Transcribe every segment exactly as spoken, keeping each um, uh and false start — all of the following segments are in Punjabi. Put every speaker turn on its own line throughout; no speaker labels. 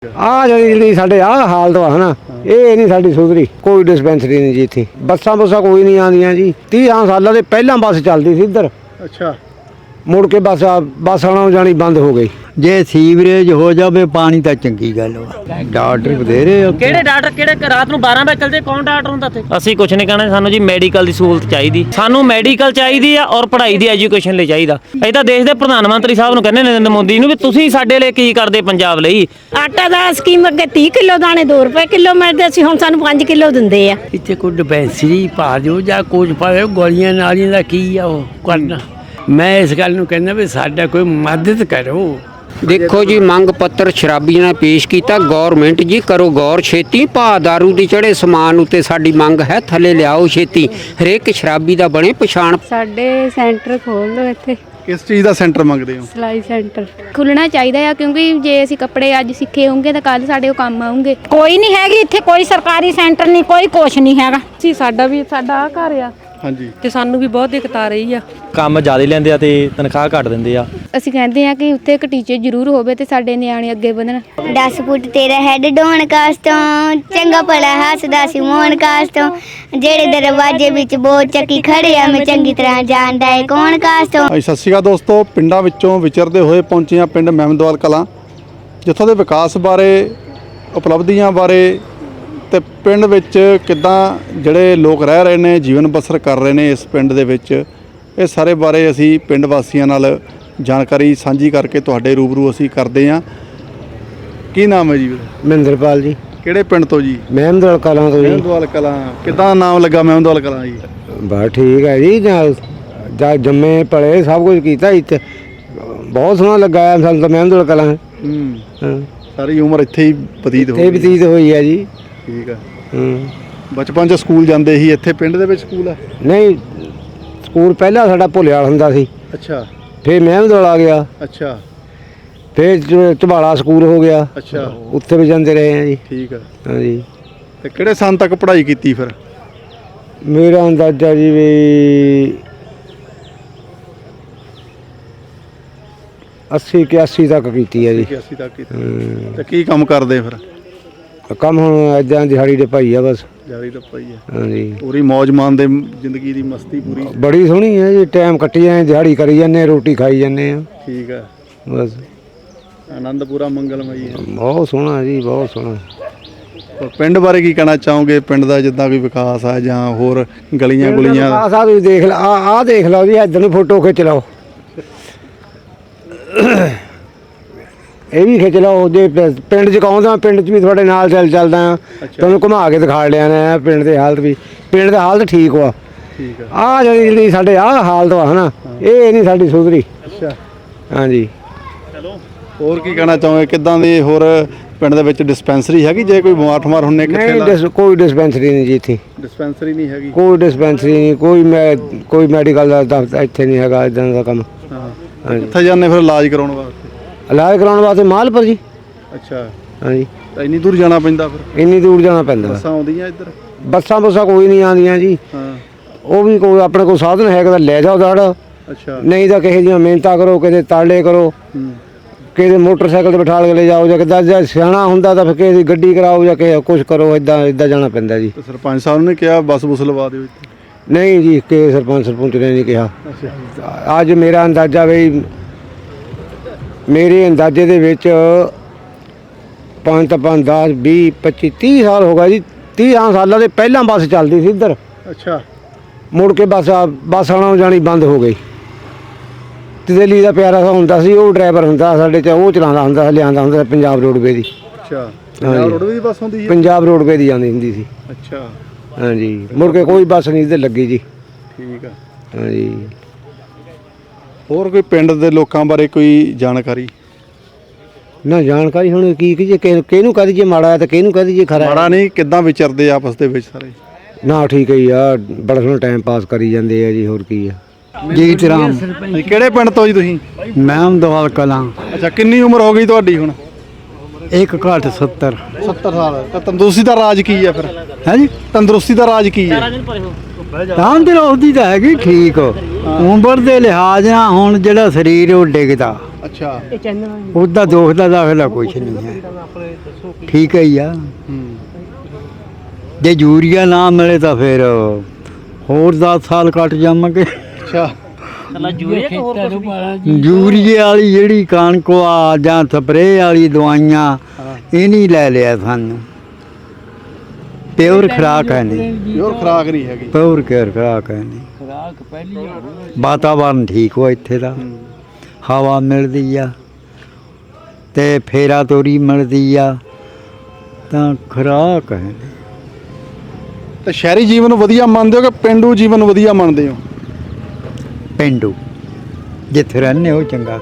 ਆ ਜਿਹੜੀ ਸਾਡੇ ਆ ਹਾਲਤ ਵਾ ਹਨਾ ਇਹ ਨਹੀਂ ਸਾਡੀ ਸੁਧਰੀ। ਕੋਈ ਡਿਸਪੈਂਸਰੀ ਨਹੀਂ ਜੀ ਇੱਥੇ, ਬੱਸਾਂ ਬੁੱਸਾਂ ਕੋਈ ਨਹੀਂ ਆਉਂਦੀਆਂ ਜੀ। ਤੀਹ ਸਾਲਾਂ ਦੇ ਪਹਿਲਾਂ ਬੱਸ ਚੱਲਦੀ ਸੀ ਇੱਧਰ,
ਅੱਛਾ
ਮੁੜ ਕੇ ਬੱਸ ਬੱਸ ਆਉਣਾ ਜਾਣੀ ਬੰਦ ਹੋ ਗਈ।
ਜੇ ਸੀਵਰੇਜ ਹੋ ਜਾਵੇ ਪਾਣੀ ਤਾਂ ਚੰਗੀ ਗੱਲ ਵਾ। ਡਾਕਟਰ ਬਥੇਰੇ
ਕਿਹੜੇ ਡਾਕਟਰ ਕਿਹੜੇ ਰਾਤ ਨੂੰ ਬਾਰਾਂ ਵਜੇ ਚੱਲਦੇ, ਕੌਣ ਡਾਕਟਰ ਹੁੰਦਾ ਇੱਥੇ? ਅਸੀਂ ਕੁਝ ਨਹੀਂ ਕਹਿਣਾ, ਸਾਨੂੰ ਜੀ ਮੈਡੀਕਲ ਦੀ ਸਹੂਲਤ ਚਾਹੀਦੀ, ਸਾਨੂੰ ਮੈਡੀਕਲ ਚਾਹੀਦੀ ਆ ਔਰ ਪੜ੍ਹਾਈ ਦੀ ਐਜੂਕੇਸ਼ਨ ਲਈ ਚਾਹੀਦਾ। ਅਸੀਂ ਤਾਂ ਦੇਸ਼ ਦੇ ਪ੍ਰਧਾਨ ਮੰਤਰੀ ਸਾਹਿਬ ਨੂੰ ਕਹਿੰਦੇ ਨਰਿੰਦਰ ਮੋਦੀ ਨੂੰ ਵੀ ਤੁਸੀਂ ਸਾਡੇ ਲਈ ਕੀ ਕਰਦੇ ਪੰਜਾਬ ਲਈ।
ਆਟਾ ਦਾ ਸਕੀਮ ਅੱਗੇ ਤੀਹ ਕਿਲੋ ਦਾਣੇ ਦੋ ਰੁਪਏ ਕਿਲੋ ਮਿਲਦੇ ਸੀ, ਹੁਣ ਸਾਨੂੰ ਪੰਜ ਕਿਲੋ ਦਿੰਦੇ ਆ।
ਇੱਥੇ ਕੋਈ ਡਿਸਪੈਂਸਰੀ ਪਾ ਦਿਓ ਜਾਂ ਕੁਝ ਪਾਵੇ, ਗੋਲੀਆਂ ਨਾਲੀਆਂ ਦਾ ਕੀ ਆ ਉਹ ਕਰਨਾ। ਮੈਂ ਇਸ ਗੱਲ ਨੂੰ ਕਹਿੰਦਾ ਵੀ ਸਾਡਾ ਕੋਈ ਮਦਦ ਕਰੋ।
ਦੇਖੋ ਜੀ, ਮੰਗ ਪੱਤਰ ਸ਼ਰਾਬੀਆਂ ਨੇ ਪੇਸ਼ ਕੀਤਾ। ਗੌਰਮੈਂਟ ਜੀ ਕਰੋ ਗੌਰ ਛੇਤੀ, ਭਾ ਦਾਰੂ ਦੀ ਚੜੇ ਸਮਾਨ ਉੱਤੇ ਸਾਡੀ ਮੰਗ ਹੈ, ਥੱਲੇ ਲਿਆਓ ਛੇਤੀ। ਹਰੇਕ ਸ਼ਰਾਬੀ ਦਾ ਬਣੇ ਪਛਾਣ।
ਸਾਡੇ ਸੈਂਟਰ ਖੋਲ ਦਿਓ ਇੱਥੇ।
ਕਿਸ ਚੀਜ਼ ਦਾ ਸੈਂਟਰ ਮੰਗਦੇ ਹੋ?
ਸਿਲਾਈ ਸੈਂਟਰ ਖੁੱਲਣਾ ਚਾਹੀਦਾ ਆ, ਕਿਉਂਕਿ ਜੇ ਅਸੀਂ ਕੱਪੜੇ ਅੱਜ ਸਿੱਖੇ ਹੋਣਗੇ ਤਾਂ ਕੱਲ ਸਾਡੇ ਉਹ ਕੰਮ ਆਉਣਗੇ।
ਕੋਈ ਨਹੀਂ ਹੈਗੀ ਇੱਥੇ, ਕੋਈ ਸਰਕਾਰੀ ਸੈਂਟਰ ਨਹੀਂ, ਕੋਈ ਕੁਛ ਨਹੀਂ ਹੈਗਾ।
ਜੀ ਸਾਡਾ ਵੀ ਸਾਡਾ ਆ ਘਰ ਆ,
ਹਾਂਜੀ,
ਤੇ ਸਾਨੂੰ ਵੀ ਬਹੁਤ ਦਿੱਕਤ ਆ ਰਹੀ ਆ।
ਕੰਮ ਜ਼ਿਆਦਾ ਲੈਂਦੇ ਆ ਤੇ ਤਨਖਾਹ ਘੱਟ ਦਿੰਦੇ ਆ।
ਅਸੀਂ ਕਹਿੰਦੇ ਆ ਕਿ ਉੱਥੇ ਇੱਕ ਟੀਚਰ ਜ਼ਰੂਰ ਹੋਵੇ ਤੇ ਸਾਡੇ ਨਿਆਣੇ ਅੱਗੇ ਵਧਣ।
ਦਸ ਫੁੱਟ ਤੇਰਾ ਹੈਡ ਡੋਣ ਕਾਸ ਤੋਂ, ਚੰਗਾ ਭਲਾ ਹੱਸਦਾ ਸੀ ਮੋਹਨ ਕਾਸ ਤੋਂ। ਜਿਹੜੇ ਦਰਵਾਜ਼ੇ ਵਿੱਚ ਬਹੁਤ ਚੱਕੀ ਖੜੇ ਆ, ਮੈਂ ਚੰਗੀ ਤਰ੍ਹਾਂ ਜਾਣਦਾ ਏ ਕੌਣ ਕਾਸ ਤੋਂ।
ਸਤਿ ਸ਼੍ਰੀ ਅਕਾਲ ਦੋਸਤੋ, ਪਿੰਡਾਂ ਵਿੱਚੋਂ ਵਿਚਰਦੇ ਹੋਏ ਪਹੁੰਚੇ ਹਾਂ ਪਿੰਡ ਮਹਿਮਦਵਾਲ ਕਲਾਂ, ਜਿੱਥੋਂ ਦੇ ਵਿਕਾਸ ਬਾਰੇ, ਉਪਲਬਧੀਆਂ ਬਾਰੇ ਤੇ ਪਿੰਡ ਵਿੱਚ ਕਿੱਦਾਂ ਜਿਹੜੇ ਲੋਕ ਰਹਿ ਰਹੇ ਨੇ, ਜੀਵਨ ਬਸਰ ਕਰ ਰਹੇ ਨੇ ਇਸ ਪਿੰਡ ਦੇ ਵਿੱਚ, ਇਹ ਸਾਰੇ ਬਾਰੇ ਅਸੀਂ ਪਿੰਡ ਵਾਸੀਆਂ ਨਾਲ ਜਾਣਕਾਰੀ ਸਾਂਝੀ ਕਰਕੇ ਤੁਹਾਡੇ ਰੂਬਰੂ ਅਸੀਂ ਕਰਦੇ ਹਾਂ। ਕੀ ਨਾਮ ਹੈ ਜੀ?
ਮਹਿੰਦਰਪਾਲ ਜੀ।
ਕਿਹੜੇ ਪਿੰਡ ਤੋਂ ਜੀ?
ਮਹਿਮਦਵਾਲ ਕਲਾਂ ਤੋਂ ਜੀ।
ਮਹਿਮਦਵਾਲ ਕਲਾਂ। ਕਿੱਦਾਂ ਨਾਮ ਲੱਗਾ ਮਹਿਮਦਵਾਲ ਕਲਾਂ ਜੀ?
ਬਸ ਠੀਕ ਹੈ ਜੀ, ਜਾਂ ਜੰਮੇ ਪਲੇ ਸਭ ਕੁਝ ਕੀਤਾ ਇੱਥੇ, ਬਹੁਤ ਸੋਹਣਾ ਲੱਗਾ ਸਾਨੂੰ ਤਾਂ ਮਹਿਮਦਵਾਲ ਕਲਾਂ।
ਹੂੰ
ਹਾਂ,
ਸਾਰੀ ਉਮਰ ਇੱਥੇ ਹੀ ਬਤੀਤ ਹੋ
ਇੱਥੇ
ਗਈ।
ਬਤੀਤ ਹੋਈ ਹੈ ਜੀ।
ਠੀਕ ਹੈ।
ਹੂੰ,
ਬਚਪਨ 'ਚ ਸਕੂਲ ਜਾਂਦੇ ਸੀ ਇੱਥੇ ਪਿੰਡ ਦੇ ਵਿੱਚ ਸਕੂਲ ਹੈ?
ਨਹੀਂ, ਸਕੂਲ ਪਹਿਲਾਂ ਸਾਡਾ ਭੁੱਲਿਆਲ ਹੁੰਦਾ ਸੀ,
ਅੱਛਾ,
ਫਿਰ ਮਹਿਮਦਵਾਲ ਆ ਗਿਆ,
ਅੱਛਾ,
ਫਿਰ ਝ- ਝਬਾਲਾ ਸਕੂਲ ਹੋ ਗਿਆ,
ਅੱਛਾ,
ਉੱਥੇ ਵੀ ਜਾਂਦੇ ਰਹੇ ਹਾਂ ਜੀ।
ਠੀਕ ਹੈ।
ਹਾਂਜੀ,
ਤੇ ਕਿਹੜੇ ਸਾਲ ਤੱਕ ਪੜ੍ਹਾਈ ਕੀਤੀ ਫਿਰ?
ਮੇਰਾ ਅੰਦਾਜ਼ਾ ਜੀ ਵੀ ਅੱਸੀ ਇਕਿਆਸੀ ਤੱਕ ਕੀਤੀ ਹੈ ਜੀ।
ਇਕਿਆਸੀ ਤੱਕ ਕੀਤੀ। ਤੇ ਕੀ ਕੰਮ ਕਰਦੇ ਫਿਰ?
ਕੰਮ ਹੁਣ ਇੱਦਾਂ ਦਿਹਾੜੀ ਦੇ ਭਾਈ ਆ ਬਸ।
ਜਾਰੀ ਤਾਂ ਪਈ ਹੈ।
ਹਾਂਜੀ,
ਪੂਰੀ ਮੌਜ ਮਾਣਦੇ, ਜ਼ਿੰਦਗੀ ਦੀ ਮਸਤੀ ਪੂਰੀ।
ਬੜੀ ਸੋਹਣੀ ਹੈ ਜੀ, ਟਾਈਮ ਕੱਟੀ ਜਾਂਦੇ, ਦਿਹਾੜੀ ਕਰੀ ਜਾਂਦੇ, ਰੋਟੀ ਖਾਈ ਜਾਂਦੇ ਆ
ਠੀਕ ਹੈ,
ਬਸ।
ਆਨੰਦ ਪੂਰਾ ਮੰਗਲਮਈ ਹੈ।
ਬਹੁਤ ਸੋਹਣਾ ਜੀ, ਬਹੁਤ ਸੋਹਣਾ।
ਪਰ ਪਿੰਡ ਬਾਰੇ ਕੀ ਕਹਿਣਾ ਚਾਹੋਗੇ? ਪਿੰਡ ਦਾ ਜਿੱਦਾਂ ਕੋਈ ਵਿਕਾਸ ਆ ਜਾਂ ਹੋਰ ਗਲੀਆਂ ਗੁਲੀਆਂ?
ਆ ਸਾਹਿਬ ਤੁਸੀਂ ਦੇਖ ਲ ਆ ਆ ਦੇਖ ਲਓ ਜੀ, ਇੱਧਰ ਨੂੰ ਫੋਟੋ ਖਿੱਚ ਲਓ, ਇਹ ਵੀ ਖਿੱਚ ਲਓ। ਜੇ ਪ- ਪਿੰਡ 'ਚ ਕਹੋਂਦਾ, ਪਿੰਡ 'ਚ ਵੀ ਤੁਹਾਡੇ ਨਾਲ ਚੱਲ ਚੱਲਦਾ ਆ, ਤੁਹਾਨੂੰ ਘੁਮਾ ਕੇ ਦਿਖਾ ਲਿਆ ਨੇ ਪਿੰਡ ਦੀ ਹਾਲਤ ਵੀ। ਪਿੰਡ ਦਾ ਹਾਲਤ ਠੀਕ ਵਾ।
ਠੀਕ ਹੈ।
ਆ ਜਿਹੜੀ ਜਿਹੜੀ ਸਾਡੇ ਆ ਹਾਲਤ ਵਾ ਹਨਾ ਇਹ ਨਹੀਂ ਸਾਡੀ ਸੁਧਰੀ।
ਅੱਛਾ,
ਹਾਂਜੀ।
ਹੋਰ ਕੀ ਕਹਿਣਾ ਚਾਹੋਗੇ? ਕਿੱਦਾਂ ਦੀ ਹੋਰ ਪਿੰਡ ਦੇ ਵਿੱਚ ਡਿਸਪੈਂਸਰੀ ਹੈਗੀ? ਜੇ ਕੋਈ ਬਿਮਾਰ ਠਮਾਰ ਹੁੰਨੇ ਕਿੱਥੇ
ਨਹੀਂ,
ਲਾ?
ਡਿਸ- ਕੋਈ ਡਿਸਪੈਂਸਰੀ ਨਹੀਂ ਜੀ ਇੱਥੇ,
ਡਿਸਪੈਂਸਰੀ ਨਹੀਂ ਹੈਗੀ?
ਕੋਈ ਡਿਸਪੈਂਸਰੀ ਨਹੀਂ, ਕੋਈ ਮੈਂ ਕੋਈ ਮੈਡੀਕਲ ਦਾ ਦਫ਼ਤਰ ਇੱਥੇ ਨਹੀਂ ਹੈਗਾ, ਇੱਦਾਂ ਦਾ ਕੰਮ।
ਹਾਂ।
ਹਾਂਜੀ।
ਕਿੱਥੇ ਜਾਂਦੇ ਫਿਰ ਇਲਾਜ ਕਰਾਉਣ ਵਾਸਤੇ?
ਇਲਾਜ ਕਰਾਉਣ ਵਾਸਤੇ ਮਾਲਪੁਰ ਜੀ।
ਅੱਛਾ,
ਹਾਂਜੀ,
ਤਾਂ ਇੰਨੀ ਦੂਰ ਜਾਣਾ ਪੈਂਦਾ ਫਿਰ?
ਇੰਨੀ ਦੂਰ ਜਾਣਾ ਪੈਂਦਾ।
ਬੱਸਾਂ ਆਉਂਦੀਆਂ ਇੱਧਰ?
ਬੱਸਾਂ ਬੁੱਸਾਂ ਕੋਈ ਨਹੀਂ ਆਉਂਦੀਆਂ ਜੀ।
ਹਾਂ,
ਉਹ ਵੀ ਕੋਈ ਆਪਣੇ ਕੋਲ ਸਾਧਨ ਹੈਗਾ ਤਾਂ ਲੈ ਜਾਓ ਦੜ,
ਅੱਛਾ,
ਨਹੀਂ ਤਾਂ ਕਿਸੇ ਦੀਆਂ ਮਿਹਨਤਾਂ ਕਰੋ, ਕਿਸੇ ਤਾਲੇ ਕਰੋ,
ਹੂੰ,
ਕਿਸੇ ਮੋਟਰਸਾਈਕਲ ਤੇ ਬਿਠਾ ਕੇ ਲੈ ਜਾਓ, ਜਾਂ ਕਿੱਦਾਂ ਜੇ ਸਿਆਣਾ ਹੁੰਦਾ ਤਾਂ ਫਿਰ ਕਿਸੇ ਦੀ ਗੱਡੀ ਕਰਾਓ ਜਾਂ ਕਿਸੇ ਕੁਛ ਕਰੋ, ਇਦਾਂ ਇਦਾਂ ਜਾਣਾ ਪੈਂਦਾ ਜੀ।
ਤੇ ਸਰਪੰਚ ਸਾਹਿਬ ਨੇ ਕਿਹਾ ਬੱਸ ਬੁੱਸ ਲਵਾ ਦਿਓ ਇੱਥੇ?
ਨਹੀਂ ਜੀ, ਕਿ ਸਰਪੰਚ ਸਰਪੰਚ ਨੇ ਨਹੀਂ ਕਿਹਾ।
ਅੱਛਾ,
ਅੱਜ ਮੇਰਾ ਅੰਦਾਜ਼ਾ ਵੀ ਮੇਰੇ ਅੰਦਾਜ਼ੇ ਦੇ ਵਿੱਚ ਪੰਜ ਤਾਂ ਪੰਜ ਦਸ ਵੀਹ ਪੱਚੀ ਤੀਹ ਸਾਲ ਹੋ ਗਏ ਜੀ। ਤੀਹ ਸਾਲਾਂ ਦੇ ਪਹਿਲਾਂ ਬੱਸ ਚੱਲਦੀ ਸੀ ਇੱਧਰ,
ਅੱਛਾ,
ਮੁੜ ਕੇ ਬੱਸ ਬੱਸ ਆਉਣਾ ਜਾਣੀ ਬੰਦ ਹੋ ਗਈ। ਦਿੱਲੀ ਦਾ ਪਿਆਰਾ ਸਾ ਹੁੰਦਾ ਸੀ, ਉਹ ਡਰਾਈਵਰ ਹੁੰਦਾ ਸਾਡੇ 'ਚ, ਉਹ ਚਲਾਉਂਦਾ ਹੁੰਦਾ ਸੀ, ਲਿਆਂਦਾ ਹੁੰਦਾ ਸੀ ਪੰਜਾਬ ਰੋਡਵੇ ਦੀ।
ਅੱਛਾ, ਪੰਜਾਬ ਰੋਡਵੇ ਦੀ ਬੱਸ ਹੁੰਦੀ ਹੈ?
ਪੰਜਾਬ ਰੋਡਵੇ ਦੀ ਆਉਂਦੀ ਹੁੰਦੀ ਸੀ।
ਅੱਛਾ,
ਹਾਂਜੀ, ਮੁੜ ਕੇ ਕੋਈ ਬੱਸ ਨਹੀਂ ਇੱਧਰ ਲੱਗੀ ਜੀ।
ਠੀਕ ਆ।
ਹਾਂਜੀ।
ਹੋਰ ਕੋਈ ਪਿੰਡ ਦੇ ਲੋਕਾਂ ਬਾਰੇ ਕੋਈ ਜਾਣਕਾਰੀ?
ਨਾ ਜਾਣਕਾਰੀ ਹੁਣ ਕੀ ਕੀ ਜੇ ਕਿਹਨੂੰ ਕਹਦੀ ਜੇ ਮਾੜਾ ਹੈ ਤੇ ਕਿਹਨੂੰ ਕਹਦੀ ਜੇ ਖਰਾ।
ਮਾੜਾ ਨਹੀਂ, ਕਿੱਦਾਂ ਵਿਚਰਦੇ ਆਪਸ ਦੇ ਵਿੱਚ ਸਾਰੇ?
ਨਾ ਠੀਕ ਹੈ ਜੀ, ਆ ਬੜਾ ਸੋਹਣਾ ਟਾਈਮ ਪਾਸ ਕਰੀ ਜਾਂਦੇ ਆ ਜੀ, ਹੋਰ ਕੀ ਆ।
ਜੀਤ ਰਾਮ।
ਕਿਹੜੇ ਪਿੰਡ ਤੋਂ ਜੀ ਤੁਸੀਂ?
ਮਹਿਮਦਵਾਲ ਕਲਾਂ।
ਅੱਛਾ, ਕਿੰਨੀ ਉਮਰ ਹੋ ਗਈ ਤੁਹਾਡੀ ਹੁਣ?
ਇੱਕ ਘੱਟ ਸੱਤਰ।
ਸੱਤਰ ਸਾਲ। ਤਾਂ ਤੰਦਰੁਸਤੀ ਦਾ ਰਾਜ ਕੀ ਹੈ ਫਿਰ?
ਹੈ ਜੀ,
ਤੰਦਰੁਸਤੀ ਦਾ ਰਾਜ ਕੀ ਹੈ?
ਤੰਦਰੁਸਤੀ ਤਾਂ ਹੈਗੀ ਠੀਕ, ਉਮਰ ਦੇ ਲਿਹਾਜ਼ ਨਾਲ ਹੁਣ ਜਿਹੜਾ ਸਰੀਰ ਉਹ ਡਿੱਗਦਾ।
ਅੱਛਾ।
ਉਹਦਾ ਦੋਖ ਦਾ ਦਾਖਲਾ ਕੁਛ ਨਹੀਂ ਹੈ, ਠੀਕ ਹੈ ਹੀ ਆ। ਜੇ ਯੂਰੀਆ ਨਾ ਮਿਲੇ ਤਾਂ ਫਿਰ ਹੋਰ ਦਸ ਸਾਲ ਕੱਟ ਜਾਵਾਂਗੇ।
ਅੱਛਾ।
ਯੂਰੀਏ ਵਾਲੀ ਜਿਹੜੀ ਕਣਕ ਆ ਜਾਂ ਸਪਰੇਅ ਵਾਲੀ ਦਵਾਈਆਂ ਇਹ ਨਹੀਂ ਲੈ ਲਿਆ ਸਾਨੂੰ। ਪਿਓਰ ਖੁਰਾਕ ਹੈ ਨਹੀਂ,
ਪਿਓਰ ਖੁਰਾਕ ਨਹੀਂ ਹੈਗੀ।
ਪਿਓਰ ਕੇਅਰ ਖੁਰਾਕ ਹੈ ਨਹੀਂ। ਵਾਤਾਵਰਨ ਠੀਕ ਹੋ ਇੱਥੇ ਦਾ, ਹਵਾ ਮਿਲਦੀ ਆ ਤੇ ਫੇਰਾ ਤੋਰੀ ਮਿਲਦੀ ਆ, ਤਾਂ ਖੁਰਾਕ ਹੈ।
ਤੇ ਸ਼ਹਿਰੀ ਜੀਵਨ ਨੂੰ ਵਧੀਆ ਮੰਨਦੇ ਹੋ ਕਿ ਪਿੰਡੂ ਜੀਵਨ ਨੂੰ ਵਧੀਆ ਮੰਨਦੇ ਹੋ?
ਪਿੰਡੂ ਜਿੱਥੇ ਰਹਿੰਦੇ ਉਹ ਚੰਗਾ।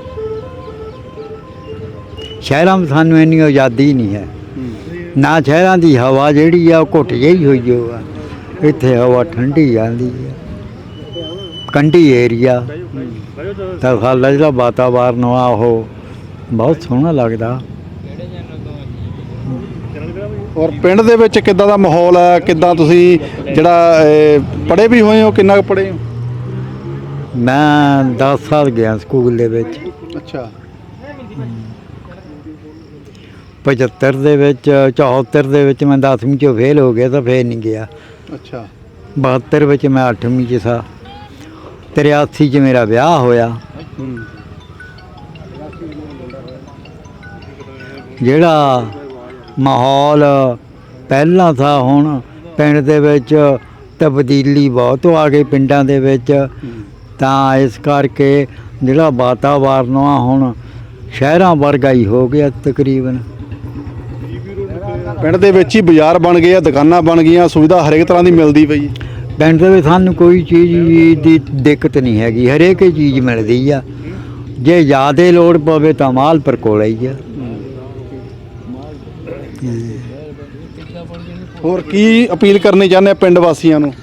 ਸ਼ਹਿਰਾਂ ਵਿੱਚ ਸਾਨੂੰ ਇੰਨੀ ਆਜ਼ਾਦੀ ਨਹੀਂ ਹੈ ਨਾ। ਸ਼ਹਿਰਾਂ ਦੀ ਹਵਾ ਜਿਹੜੀ ਆ ਉਹ ਘੁੱਟ ਜਿਹੀ ਹੋਈ ਜੋ ਆ, ਇੱਥੇ ਹਵਾ ਠੰਡੀ ਆਉਂਦੀ ਆ, ਕੰਢੀ ਏਰੀਆ। ਤਾਂ ਸਾਡਾ ਜਿਹੜਾ ਵਾਤਾਵਰਨ ਆ ਉਹ ਬਹੁਤ ਸੋਹਣਾ ਲੱਗਦਾ।
ਔਰ ਪਿੰਡ ਦੇ ਵਿੱਚ ਕਿੱਦਾਂ ਦਾ ਮਾਹੌਲ ਹੈ? ਕਿੱਦਾਂ ਤੁਸੀਂ ਜਿਹੜਾ ਪੜ੍ਹੇ ਵੀ ਹੋਏ ਹੋ, ਕਿੰਨਾ ਕੁ ਪੜ੍ਹੇ ਹੋ?
ਮੈਂ ਦਸ ਸਾਲ ਗਿਆ ਸਕੂਲ ਦੇ ਵਿੱਚ।
ਅੱਛਾ।
ਪਝੱਤਰ ਦੇ ਵਿੱਚ ਚੌਹੱਤਰ ਦੇ ਵਿੱਚ ਮੈਂ ਦਸਵੀਂ 'ਚੋਂ ਫੇਲ ਹੋ ਗਿਆ ਤਾਂ ਫੇਰ ਨਹੀਂ ਗਿਆ।
ਅੱਛਾ।
ਬਹੱਤਰ ਵਿੱਚ ਮੈਂ ਅੱਠਵੀਂ 'ਚ ਸਾਂ। ਤਰਿਆਸੀ 'ਚ ਮੇਰਾ ਵਿਆਹ ਹੋਇਆ। ਜਿਹੜਾ ਮਾਹੌਲ ਪਹਿਲਾਂ ਥਾ ਹੁਣ ਪਿੰਡ ਦੇ ਵਿੱਚ ਤਬਦੀਲੀ ਬਹੁਤ ਆ ਗਈ ਪਿੰਡਾਂ ਦੇ ਵਿੱਚ। ਤਾਂ ਇਸ ਕਰਕੇ ਜਿਹੜਾ ਵਾਤਾਵਰਨ ਆ ਹੁਣ ਸ਼ਹਿਰਾਂ ਵਰਗਾ ਹੀ ਹੋ ਗਿਆ ਤਕਰੀਬਨ।
ਪਿੰਡ ਦੇ ਵਿੱਚ ਹੀ ਬਾਜ਼ਾਰ ਬਣ ਗਏ ਆ, ਦੁਕਾਨਾਂ ਬਣ ਗਈਆਂ, ਸੁਵਿਧਾ ਹਰੇਕ ਤਰ੍ਹਾਂ ਦੀ ਮਿਲਦੀ ਪਈ।
ਪਿੰਡ ਦੇ ਵਿੱਚ ਸਾਨੂੰ ਕੋਈ ਚੀਜ਼ ਦੀ ਦਿੱਕਤ ਨਹੀਂ ਹੈਗੀ, ਹਰੇਕ ਹੀ ਚੀਜ਼ ਮਿਲਦੀ ਆ। ਜੇ ਜ਼ਿਆਦਾ ਲੋੜ ਪਵੇ ਤਾਂ ਮਾਲਪੁਰ ਕੋਲ ਹੀ ਆ।
ਹੋਰ ਕੀ ਅਪੀਲ ਕਰਨੀ ਚਾਹੁੰਦੇ ਆ ਪਿੰਡ ਵਾਸੀਆਂ ਨੂੰ?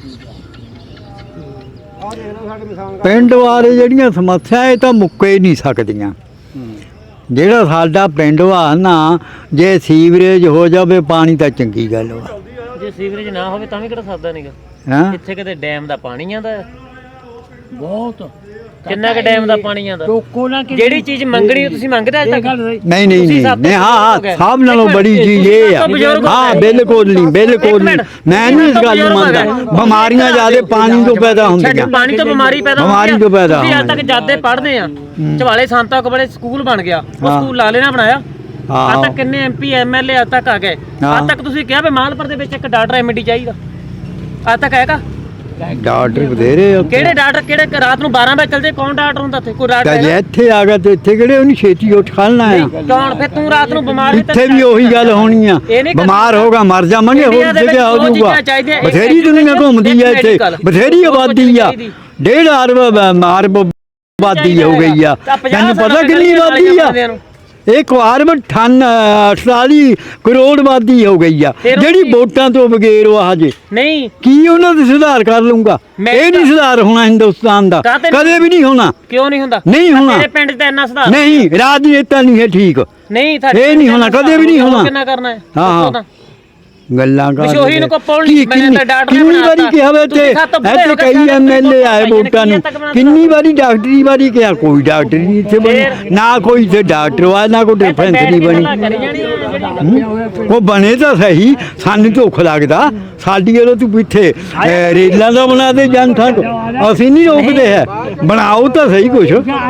ਪਿੰਡ ਬਾਰੇ ਜਿਹੜੀਆਂ ਸਮੱਸਿਆ ਇਹ ਤਾਂ ਮੁੱਕੇ ਹੀ ਨਹੀਂ ਸਕਦੀਆਂ। ਜਿਹੜਾ ਸਾਡਾ ਪਿੰਡ ਵਾ ਨਾ, ਜੇ ਸੀਵਰੇਜ ਹੋ ਜਾਵੇ ਪਾਣੀ ਤਾਂ ਚੰਗੀ ਗੱਲ ਵਾ।
ਜੇ ਸੀਵਰੇਜ ਨਾ ਹੋਵੇ ਤਾਂ ਵੀ ਕਿਹੜਾ ਸਰਦਾ ਨਹੀਂਗਾ।
ਹੈਂ?
ਇੱਥੇ ਕਿਤੇ ਡੈਮ ਦਾ ਪਾਣੀ ਆਂਦਾ ਬਹੁਤ। ਕਿੰਨਾ ਕੁ ਡੈਮ ਦਾ ਪਾਣੀ ਆਂਦਾ? ਜਿਹੜੀ ਚੀਜ਼ ਮੰਗਣੀ ਤੁਸੀਂ ਮੰਗਦੇ ਅੱਜ ਤੱਕ?
ਨਹੀਂ ਨਹੀਂ ਨਹੀਂ ਨਹੀਂ, ਹਾਂ ਹਾਂ, ਸਭ ਨਾਲੋਂ ਬੜੀ ਚੀਜ਼ ਇਹ ਆ। ਹਾਂ ਬਿਲਕੁਲ ਨਹੀਂ, ਬਿਲਕੁਲ ਨਹੀਂ, ਮੈਂ ਨਹੀਂ ਇਸ ਗੱਲ ਨੂੰ ਮੰਨਦਾ। ਬਿਮਾਰੀਆਂ ਜ਼ਿਆਦਾ ਪਾਣੀ ਤੋਂ ਪੈਦਾ ਹੁੰਦੀਆਂ।
ਪਾਣੀ ਤੋਂ ਬਿਮਾਰੀ ਪੈਦਾ ਹੁੰਦੀ
ਬਿਮਾਰੀ ਤੋਂ ਪੈਦਾ
ਹੁੰਦੀ। ਅੱਜ ਤੱਕ ਜਾਦੇ ਪੜ੍ਹਦੇ ਆ, ਝਵਾਲੇ ਸੰਤਾਂ ਕੋਲੇ ਸਕੂਲ ਬਣ ਗਿਆ, ਉਹ ਸਕੂਲ ਲਾਲੇ ਨੇ ਬਣਾਇਆ। ਅੱਜ ਤੱਕ ਕਿੰਨੇ ਐਮਪੀ ਐਮਐਲਏ ਅੱਜ ਤੱਕ ਆ ਗਏ। ਅੱਜ ਤੱਕ ਤੁਸੀਂ ਕਿਹਾ ਵੀ ਮਾਲਪੁਰ ਦੇ ਵਿੱਚ ਇੱਕ ਡਾਕਟਰ ਐਮਡੀ ਚਾਹੀਦਾ, ਅੱਜ ਤੱਕ ਹੈਗਾ?
ਡਾਕਟਰ ਬਥੇਰੇ।
ਕਿਹੜੇ ਡਾਕਟਰ? ਕਿਹੜੇ ਰਾਤ ਨੂੰ ਬਾਰਾਂ ਵਜੇ ਚੱਲਦੇ? ਕੌਣ ਡਾਕਟਰ ਹੁੰਦਾ ਇੱਥੇ? ਕੋਈ ਡਾਕਟਰ
ਜੇ ਇੱਥੇ ਆ ਗਿਆ ਤੇ ਇੱਥੇ ਕਿਹੜੇ ਉਹਨੂੰ ਛੇਤੀ ਉੱਠ ਖੜਨਾ ਆ?
ਕੌਣ? ਫਿਰ ਤੂੰ ਰਾਤ ਨੂੰ ਬਿਮਾਰ
ਇੱਥੇ ਵੀ ਉਹੀ ਗੱਲ ਹੋਣੀ ਆ, ਬਿਮਾਰ ਹੋਗਾ ਮਰ ਜਾਵਾਂਗੇ, ਹੋਰ ਜਗ੍ਹਾ ਹੋ ਜਾਊਗਾ। ਬਥੇਰੀ ਦੁਨੀਆ ਘੁੰਮਦੀ ਆ ਇੱਥੇ, ਬਥੇਰੀ ਆਬਾਦੀ ਆ, ਡੇਢ ਅਰਬ ਮਾਰਬ ਆਬਾਦੀ ਹੋ ਗਈ ਆ। ਤੈਨੂੰ ਪਤਾ ਕਿੰਨੀ ਆਬਾਦੀ ਆ? ਇੱਕ ਅਰਬ ਅਠਾਨ ਅਠਤਾਲੀ ਕਰੋੜ ਆਬਾਦੀ ਹੋ ਗਈ ਆ, ਜਿਹੜੀ ਵੋਟਾਂ ਤੋਂ ਬਗੈਰ ਉਹ ਹਜੇ
ਨਹੀਂ।
ਕੀ ਉਹਨਾਂ ਦੇ ਸੁਧਾਰ ਕਰ ਲੂੰਗਾ? ਇਹ ਨਹੀਂ ਸੁਧਾਰ ਹੋਣਾ ਹਿੰਦੁਸਤਾਨ ਦਾ, ਕਦੇ ਵੀ ਨਹੀਂ ਹੋਣਾ।
ਕਿਉਂ ਨਹੀਂ ਹੁੰਦਾ?
ਨਹੀਂ ਹੋਣਾ।
ਤੇਰੇ ਪਿੰਡ 'ਚ ਤਾਂ ਇੰਨਾ ਸੁਧਾਰ
ਨਹੀਂ, ਰਾਜਨੀਤੀ ਨਹੀਂ ਹੈ ਠੀਕ।
ਨਹੀਂ,
ਇਹ ਨਹੀਂ ਹੋਣਾ, ਕਦੇ ਵੀ ਨਹੀਂ ਹੋਣਾ।
ਕਿੰਨਾ ਕਰਨਾ ਹੈ?
ਹਾਂ ਹਾਂ, ਗੱਲਾਂ ਕਰ
ਮਸ਼ੋਹੀ ਨੂੰ ਕੋ ਪੌਲ ਨਹੀਂ, ਮੈਂ ਤਾਂ ਡਾਕਟਰ
ਕਿੰਨੀ ਵਾਰੀ ਕਿਹਾ ਵੇ ਤੇ ਇੱਥੇ ਕਈ ਐਮਐਲਏ ਆਏ ਵੋਟਾਂ ਨੂੰ, ਕਿੰਨੀ ਵਾਰੀ ਡਾਕਟਰੀ ਵਾਰੀ ਕਿਹਾ, ਕੋਈ ਡਾਕਟਰ ਨਹੀਂ ਇੱਥੇ ਬਣੀ, ਨਾ ਕੋਈ ਇੱਥੇ ਡਾਕਟਰ ਆ, ਨਾ ਕੋਈ ਡਿਫੈਂਸਰੀ ਬਣੀ। ਉਹ ਬਣੇ ਤਾਂ ਸਹੀ, ਸਾਨੂੰ ਧੁੱਖ ਲੱਗਦਾ। ਸਾਡੀ ਵੱਲੋਂ ਤੂੰ ਪਿੱਛੇ ਰੇਲਾਂ ਦਾ ਬਣਾ ਦੇ ਜਨਤਾ, ਅਸੀਂ ਨਹੀਂ ਰੋਕਦੇ ਹੈ। ਬਣਾਓ ਤਾਂ ਸਹੀ ਕੁਛ,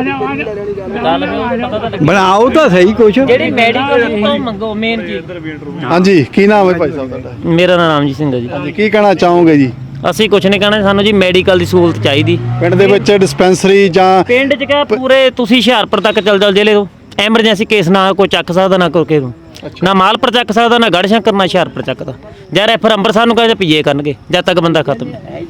ਬਣਾਓ ਤਾਂ ਸਹੀ ਕੁਛ।
ਜਿਹੜੀ ਮੈਡੀਕਲ ਤੋਂ ਮੰਗੋ ਮੇਨ ਚੀਜ਼।
ਹਾਂਜੀ, ਕੀ ਨਾਮ ਹੈ ਭਾਈ ਸਾਹਿਬ ਤੁਹਾਡਾ?
ਮੇਰਾ ਨਾਮ ਰਾਮਜੀਤ ਸਿੰਘ ਹੈ ਜੀ।
ਹਾਂਜੀ, ਕੀ ਕਹਿਣਾ ਚਾਹੋਗੇ ਜੀ?
ਅਸੀਂ ਕੁਝ ਨਹੀਂ ਕਹਿਣਾ, ਸਾਨੂੰ ਜੀ ਮੈਡੀਕਲ ਦੀ ਸਹੂਲਤ ਚਾਹੀਦੀ
ਪਿੰਡ ਦੇ ਵਿੱਚ। ਡਿਸਪੈਂਸਰੀ ਜਾਂ
ਪਿੰਡ 'ਚ ਕਿਹਾ ਪੂਰੇ ਤੁਸੀਂ ਹੁਸ਼ਿਆਰਪੁਰ ਤੱਕ ਚੱਲ ਚੱਲ ਜ਼ਿਲ੍ਹੇ ਤੋਂ ਐਮਰਜੈਂਸੀ ਕੇਸ ਨਾ ਕੋਈ ਚੱਕ ਸਕਦਾ, ਨਾ ਕੋਈ ਨੂੰ ਨਾ ਮਾਲਪੁਰ ਚੱਕ ਸਕਦਾ, ਨਾ ਗੜ੍ਹਸ਼ੰਕਰ, ਨਾ ਹੁਸ਼ਿਆਰਪੁਰ ਚੱਕਦਾ। ਜਾਂ ਰੈਫਰ ਅੰਮ੍ਰਿਤਸਰ ਨੂੰ ਕਹਿੰਦੇ ਪੀਏ ਕਰਨਗੇ ਜਦ ਤੱਕ ਬੰਦਾ ਖਤਮ।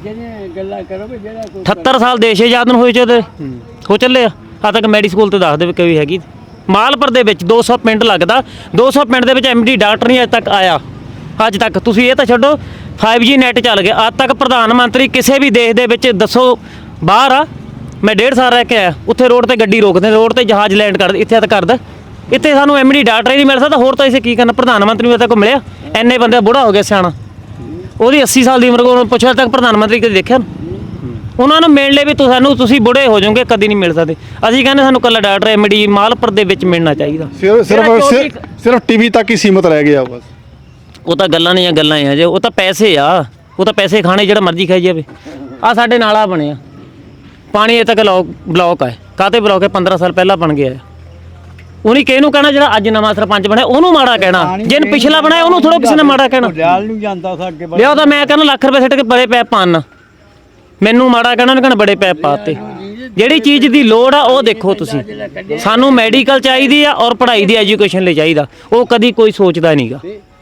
ਅਠੱਤਰ ਸਾਲ ਦੇਸ਼ ਆਜ਼ਾਦ ਨੂੰ ਹੋਏ ਚਦੇ ਹੋ ਚੱਲੇ ਆ, ਆ ਤੱਕ ਮੈਡੀ ਸਕੂਲ ਤੇ ਦੱਸ ਦੇ ਵੀ ਕੋਈ ਹੈਗੀ। ਮਾਲਪੁਰ ਦੇ ਵਿੱਚ ਦੋ ਸੌ ਪਿੰਡ ਲੱਗਦਾ, ਦੋ ਸੌ ਪਿੰਡ ਦੇ ਵਿੱਚ ਐਮਡੀ ਡਾਕਟਰ ਨਹੀਂ ਅੱਜ ਤੱਕ ਆਇਆ। ਅੱਜ ਤੱਕ ਤੁਸੀਂ ਇਹ ਤਾਂ ਛੱਡੋ, ਫਾਈਵ ਜੀ ਨੈਟ ਚੱਲ ਗਿਆ। ਅੱਜ ਤੱਕ ਪ੍ਰਧਾਨ ਮੰਤਰੀ ਕਿਸੇ ਵੀ ਦੇਸ਼ ਦੇ ਵਿੱਚ ਦੱਸੋ ਬਾਹਰ ਆ, ਮੈਂ ਡੇਢ ਸਾਲ ਰਹਿ ਕੇ ਆਇਆ, ਉੱਥੇ ਰੋਡ ਤੇ ਗੱਡੀ ਰੋਕਦੇ, ਰੋਡ ਤੇ ਜਹਾਜ਼ ਲੈਂਡ ਕਰਦੇ, ਇੱਥੇ ਤਾਂ ਕਰਦਾ। ਇੱਥੇ ਸਾਨੂੰ ਐਮਡੀ ਡਾਕਟਰ ਹੀ ਨਹੀਂ ਮਿਲ ਸਕਦਾ, ਹੋਰ ਤਾਂ ਇਸੇ ਕੀ ਕਰਨਾ? ਪ੍ਰਧਾਨ ਮੰਤਰੀ ਨੂੰ ਤੱਕ ਮਿਲਿਆ? ਇੰਨੇ ਬੰਦੇ ਬੁੜਾ ਹੋ ਗਿਆ ਸਿਆਣਾ, ਉਹਦੀ ਅੱਸੀ ਸਾਲ ਦੀ ਉਮਰ ਕੋਲ ਪੁੱਛਿਆ ਤੱਕ ਪ੍ਰਧਾਨ ਮੰਤਰੀ ਕਦੇ ਦੇਖਿਆ? ਉਹਨਾਂ ਨੂੰ ਮਿਲਣ ਲਈ ਵੀ ਤੁਸੀਂ ਸਾਨੂੰ ਤੁਸੀਂ ਬੁੜੇ ਹੋ ਜਾਓਗੇ, ਕਦੀ ਨਹੀਂ ਮਿਲ ਸਕਦੇ। ਅਸੀਂ ਕਹਿੰਦੇ ਸਾਨੂੰ ਕੱਲਾ ਡਾਕਟਰ ਐਮਡੀ ਮਾਲਪੁਰ ਦੇ ਵਿੱਚ ਮਿਲਣਾ ਚਾਹੀਦਾ।
ਸਿਰਫ ਸਿਰਫ ਸਿਰਫ- ਸਿਰਫ ਟੀਵੀ ਤੱਕ ਹੀ ਸੀਮਤ ਰਹਿ ਗਿਆ ਬਸ।
ਉਹ ਤਾਂ ਗੱਲਾਂ ਨਹੀਂ ਆ, ਗੱਲਾਂ ਆ ਜੇ, ਉਹ ਤਾਂ ਪੈਸੇ ਆ, ਉਹ ਤਾਂ ਪੈਸੇ ਖਾਣੇ ਜਿਹੜਾ ਮਰਜ਼ੀ ਖਾਈ ਜਾਵੇ। ਆ ਸਾਡੇ ਨਾਲਾ ਬਣਿਆ, ਪਾਣੀ ਇਹ ਤੱਕ ਬਲੌਕ ਬਲੌਕ ਹੈ। ਕਾਹਤੇ ਬਲੌਕ ਹੈ? ਪੰਦਰਾਂ ਸਾਲ ਪਹਿਲਾਂ ਬਣ ਗਿਆ। ਉਹਨੇ ਕਿਹਨੂੰ ਕਹਿਣਾ ਜਿਹੜਾ ਅੱਜ ਨਵਾਂ ਸਰਪੰਚ ਬਣਿਆ ਉਹਨੂੰ ਮਾੜਾ ਕਹਿਣਾ, ਜਿਹਨੇ ਪਿਛਲਾ ਬਣਾਇਆ ਉਹਨੂੰ ਥੋੜਾ ਕਿਸੇ ਨੇ ਮਾੜਾ ਕਹਿਣਾ।
ਨੂੰ ਜਾਂਦਾ ਸੀ ਅੱਗੇ
ਲਿਆਓ ਤਾਂ ਮੈਂ ਕਹਿੰਦਾ ਲੱਖ ਰੁਪਏ ਸਿੱਟ ਕੇ ਬੜੇ ਪੈਪ ਪਾਣ, ਮੈਨੂੰ ਮਾੜਾ ਕਹਿਣਾ, ਉਹਨੇ ਕਹਿਣਾ ਬੜੇ ਪੈਪ ਪਾਤੇ। ਜਿਹੜੀ ਚੀਜ਼ ਦੀ ਲੋੜ ਆ ਉਹ ਦੇਖੋ ਤੁਸੀਂ। ਸਾਨੂੰ ਮੈਡੀਕਲ ਚਾਹੀਦੀ ਆ ਔਰ ਪੜ੍ਹਾਈ ਦੀ ਐਜੂਕੇਸ਼ਨ ਲਈ ਚਾਹੀਦਾ, ਉਹ ਕਦੀ ਕੋਈ ਸੋਚਦਾ ਨਹੀਂਗਾ।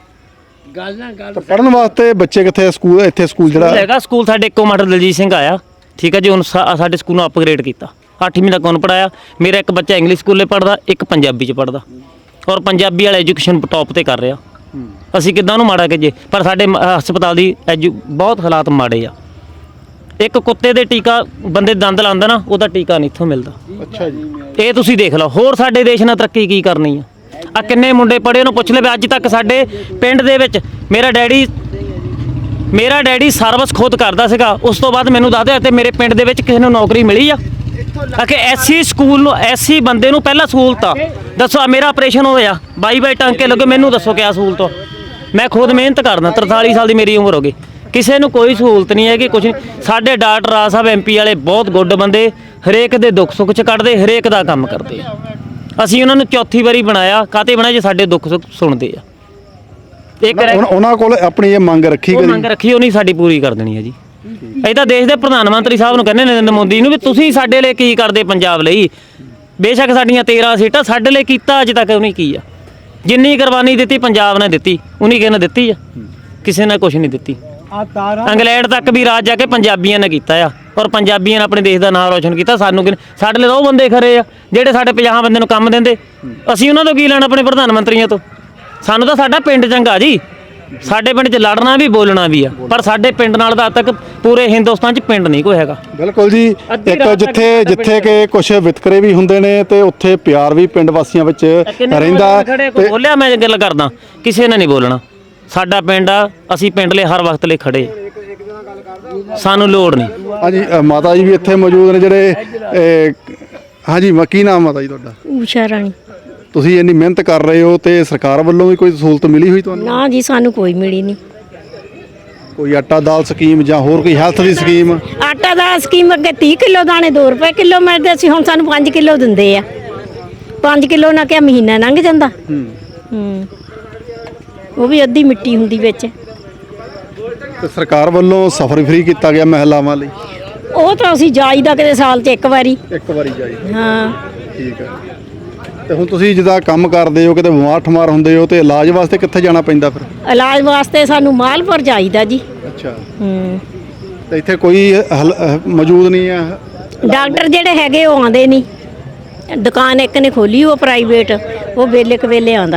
ਪੜਨ ਵਾਸਤੇ ਬੱਚੇ ਕਿੱਥੇ? ਸਕੂਲ ਇੱਥੇ ਸਕੂਲ ਜਿਹੜਾ
ਹੈਗਾ ਸਕੂਲ ਸਾਡੇ ਇੱਕੋ ਮਾਸਟਰ ਦਲਜੀਤ ਸਿੰਘ ਆਇਆ, ਠੀਕ ਹੈ ਜੀ। ਹੁਣ ਸਾ- ਸਾਡੇ ਸਕੂਲ ਨੂੰ ਅਪਗ੍ਰੇਡ ਕੀਤਾ, ਅੱਠਵੀਂ ਤੱਕ ਉਹਨੂੰ ਪੜਾਇਆ। ਮੇਰਾ ਇੱਕ ਬੱਚਾ ਇੰਗਲਿਸ਼ ਸਕੂਲੇ ਪੜਦਾ, ਇੱਕ ਪੰਜਾਬੀ 'ਚ ਪੜਦਾ, ਔਰ ਪੰਜਾਬੀ ਵਾਲਾ ਐਜੂਕੇਸ਼ਨ ਟੌਪ ਤੇ ਕਰ ਰਿਹਾ। ਅਸੀਂ ਕਿੱਦਾਂ ਉਹਨੂੰ ਮਾੜਾ ਕਹੀਏ? ਪਰ ਸਾਡੇ ਮ- ਹਸਪਤਾਲ ਦੀ ਐਜੂ ਬਹੁਤ ਹਾਲਾਤ ਮਾੜੇ ਆ। ਇੱਕ ਕੁੱਤੇ ਦੇ ਟੀਕਾ ਬੰਦੇ ਦੰਦ ਲਾਉਂਦਾ ਨਾ, ਉਹਦਾ ਟੀਕਾ ਨਹੀਂ ਇੱਥੋਂ ਮਿਲਦਾ।
ਅੱਛਾ ਜੀ,
ਇਹ ਤੁਸੀਂ ਦੇਖ ਲਓ। ਹੋਰ ਸਾਡੇ ਦੇਸ਼ ਨਾਲ ਤਰੱਕੀ ਕੀ ਕਰਨੀ ਆ? ਆ ਕਿੰਨੇ ਮੁੰਡੇ ਪੜ੍ਹੇ, ਉਹਨੂੰ ਪੁੱਛ ਲੈ ਵੀ ਅੱਜ ਤੱਕ ਸਾਡੇ ਪਿੰਡ ਦੇ ਵਿੱਚ ਮੇਰਾ ਡੈਡੀ ਮੇਰਾ ਡੈਡੀ ਸਰਵਿਸ ਖੁਦ ਕਰਦਾ ਸੀਗਾ, ਉਸ ਤੋਂ ਬਾਅਦ ਮੈਨੂੰ ਦੱਸਦੇ ਤੇ ਮੇਰੇ ਪਿੰਡ ਦੇ ਵਿੱਚ ਕਿਸੇ ਨੂੰ ਨੌਕਰੀ ਮਿਲੀ ਆ? ਆ ਕਿ ਐਸੀ ਸਕੂਲ ਨੂੰ ਐਸੀ ਬੰਦੇ ਨੂੰ ਪਹਿਲਾਂ ਸਹੂਲਤ ਆ। ਦੱਸੋ, ਆ ਮੇਰਾ ਆਪਰੇਸ਼ਨ ਹੋਇਆ, ਬਾਈ ਬਾਈ ਟਾਂਕੇ ਲੱਗੇ, ਮੈਨੂੰ ਦੱਸੋ ਕਿਆ ਸਹੂਲਤ ਆ? ਮੈਂ ਖੁਦ ਮਿਹਨਤ ਕਰਦਾ, ਤਰਤਾਲੀ ਸਾਲ ਦੀ ਮੇਰੀ ਉਮਰ ਹੋ ਗਈ, ਕਿਸੇ ਨੂੰ ਕੋਈ ਸਹੂਲਤ ਨਹੀਂ ਹੈਗੀ, ਕੁਛ ਨਹੀਂ। ਸਾਡੇ ਡਾਕਟਰ ਰਾਜ ਸਾਹਿਬ ਐਮਪੀ ਵਾਲੇ ਬਹੁਤ ਗੁੱਡ ਬੰਦੇ, ਹਰੇਕ ਦੇ ਦੁੱਖ ਸੁੱਖ 'ਚ ਕੱਢਦੇ, ਹਰੇਕ ਦਾ ਕੰਮ ਕਰਦੇ ਆ। ਅਸੀਂ ਉਹਨਾਂ ਨੂੰ ਚੌਥੀ ਵਾਰੀ ਬਣਾਇਆ, ਕਾਹਤੇ ਬਣਾਇਆ? ਜੇ ਸਾਡੇ ਦੁੱਖ ਸੁੱਖ ਸੁਣਦੇ ਆ। ਇੱਕ
ਉਹਨਾਂ- ਉਹਨਾਂ ਕੋਲ ਆਪਣੀ ਇਹ ਮੰਗ ਰੱਖੀ
ਉਹ
ਕਦੀ?
ਮੰਗ ਰੱਖੀ, ਉਹ ਨਹੀਂ ਸਾਡੀ ਪੂਰੀ ਕਰ ਦੇਣੀ ਹੈ ਜੀ। ਇਹ ਤਾਂ ਦੇਸ਼ ਦੇ ਪ੍ਰਧਾਨ ਮੰਤਰੀ ਸਾਹਿਬ ਨੂੰ ਕਹਿੰਦੇ ਨਰਿੰਦਰ ਮੋਦੀ ਨੂੰ ਵੀ ਤੁਸੀਂ ਸਾਡੇ ਲਈ ਕੀ ਕਰਦੇ ਪੰਜਾਬ ਲਈ? ਬੇਸ਼ੱਕ ਸਾਡੀਆਂ ਤੇਰਾਂ ਸੀਟਾਂ, ਸਾਡੇ ਲਈ ਕੀਤਾ ਅੱਜ ਤੱਕ ਉਹਨੇ ਕੀ ਆ? ਜਿੰਨੀ ਕੁਰਬਾਨੀ ਦਿੱਤੀ ਪੰਜਾਬ ਨੇ ਦਿੱਤੀ, ਉਹਨੇ ਕਿਸੇ ਨੇ ਦਿੱਤੀ ਆ? ਕਿਸੇ ਨੇ ਕੁਛ ਨਹੀਂ ਦਿੱਤੀ। ਇੰਗਲੈਂਡ ਤੱਕ ਵੀ ਰਾਜ ਜਾ ਕੇ ਪੰਜਾਬੀਆਂ ਨੇ ਕੀਤਾ ਆ, ਔਰ ਪੰਜਾਬੀਆਂ ਨੇ ਆਪਣੇ ਦੇਸ਼ ਦਾ ਨਾਮ ਰੋਸ਼ਨ ਕੀਤਾ। ਸਾਨੂੰ ਕਿ ਸਾਡੇ ਲਈ ਤਾਂ ਉਹ ਬੰਦੇ ਖਰੇ ਆ ਜਿਹੜੇ ਸਾਡੇ ਪੰਜਾਹ ਬੰਦੇ ਨੂੰ ਕੰਮ ਦਿੰਦੇ। ਅਸੀਂ ਉਹਨਾਂ ਤੋਂ ਕੀ ਲੈਣਾ ਆਪਣੇ ਪ੍ਰਧਾਨ ਮੰਤਰੀਆਂ ਤੋਂ? ਸਾਨੂੰ ਤਾਂ ਸਾਡਾ ਪਿੰਡ ਚੰਗਾ ਜੀ, ਸਾਡੇ ਪਿੰਡ 'ਚ ਲੜਨਾ ਵੀ ਬੋਲਣਾ ਵੀ ਆ, ਪਰ ਸਾਡੇ ਪਿੰਡ ਨਾਲ ਤਾਂ ਅੱਜ ਤੱਕ ਪੂਰੇ ਹਿੰਦੁਸਤਾਨ 'ਚ ਪਿੰਡ ਨਹੀਂ ਕੋਈ ਹੈਗਾ।
ਬਿਲਕੁਲ ਜੀ। ਇੱਕ ਜਿੱਥੇ ਜਿੱਥੇ ਕਿ ਕੁਝ ਵਿਤਕਰੇ ਵੀ ਹੁੰਦੇ ਨੇ ਤੇ ਉੱਥੇ ਪਿਆਰ ਵੀ ਪਿੰਡ ਵਾਸੀਆਂ ਵਿੱਚ ਰਹਿੰਦਾ।
ਤੇ ਬੋਲਿਆ ਮੈਂ ਗੱਲ ਕਰਦਾ, ਕਿਸੇ ਨੇ ਨਹੀਂ ਬੋਲਣਾ। ਸਾਡਾ ਪਿੰਡ ਆ, ਅਸੀਂ ਪਿੰਡ ਲਈ ਹਰ ਵਕਤ ਲਈ ਖੜੇ, ਸਾਨੂੰ ਲੋੜ ਨਹੀਂ।
ਹਾਂਜੀ, ਅ, ਮਾਤਾ ਜੀ ਵੀ ਇੱਥੇ ਮੌਜੂਦ ਨੇ ਜਿਹੜੇ ਅ, ਹਾਂਜੀ, ਮ- ਕੀ ਨਾਮ ਮਾਤਾ ਜੀ ਤੁਹਾਡਾ?
ਊਸ਼ਾ ਰਾਣੀ।
ਤੁਸੀਂ ਇੰਨੀ ਮਿਹਨਤ ਕਰ ਰਹੇ ਹੋ ਤੇ ਸਰਕਾਰ ਵੱਲੋਂ ਵੀ ਕੋਈ ਸਹੂਲਤ ਮਿਲੀ ਹੋਈ ਤੁਹਾਨੂੰ?
ਨਾ ਜੀ, ਸਾਨੂੰ ਕੋਈ ਮਿਲੀ ਨਹੀਂ।
ਕੋਈ ਆਟਾ ਦਾਲ ਸਕੀਮ ਜਾਂ ਹੋਰ ਕੋਈ ਹੈਲਥ ਦੀ ਸਕੀਮ?
ਆਟਾ ਦਾ ਸਕੀਮ ਅੱਗੇ ਤੀਹ ਕਿਲੋ ਦਾਣੇ ਦੋ ਰੁਪਏ ਕਿਲੋ ਮਿਲਦੇ ਸੀ, ਹੁਣ ਸਾਨੂੰ ਪੰਜ ਕਿਲੋ ਦਿੰਦੇ ਆ। ਪੰਜ ਕਿਲੋ ਨਾਲ ਕਿਆ ਮਹੀਨਾ ਲੰਘ ਜਾਂਦਾ। ਹੂੰ, ਉਹ ਵੀ ਅੱਧੀ ਮਿੱਟੀ ਹੁੰਦੀ ਵਿੱਚ।
ਤੇ ਸਰਕਾਰ ਵੱਲੋਂ ਸਫ਼ਰ ਫ੍ਰੀ ਕੀਤਾ ਗਿਆ ਮਹਿਲਾਵਾਂ ਲਈ?
ਉਹ ਤਾਂ ਅਸੀਂ ਜਾਈਦਾ ਕਿਤੇ ਸਾਲ 'ਚ ਇੱਕ ਵਾਰੀ।
ਇੱਕ ਵਾਰੀ ਜਾਈ?
ਹਾਂ,
ਠੀਕ ਹੈ। ਤੇ ਹੁਣ ਤੁਸੀਂ ਜਿੱਦਾਂ ਕੰਮ ਕਰਦੇ ਹੋ, ਕਿਤੇ ਬਿਮਾਰ ਠਮਾਰ ਹੁੰਦੇ ਹੋ ਤੇ ਇਲਾਜ ਵਾਸਤੇ ਕਿੱਥੇ ਜਾਣਾ ਪੈਂਦਾ ਫਿਰ?
ਇਲਾਜ ਵਾਸਤੇ ਸਾਨੂੰ ਮਾਲਪੁਰ ਜਾਈਦਾ ਜੀ।
ਅੱਛਾ।
ਹੂੰ,
ਤੇ ਇੱਥੇ ਕੋਈ ਹਲ- ਅਹ ਮੌਜੂਦ ਨਹੀਂ ਹੈ?
ਡਾਕਟਰ ਜਿਹੜੇ ਹੈਗੇ ਉਹ ਆਉਂਦੇ ਨਹੀਂ। ਦੁਕਾਨ ਇੱਕ ਨੇ ਖੋਲੀ, ਉਹ ਪ੍ਰਾਈਵੇਟ, ਉਹ ਵੇਲੇ ਕਵੇਲੇ ਆਉਂਦਾ।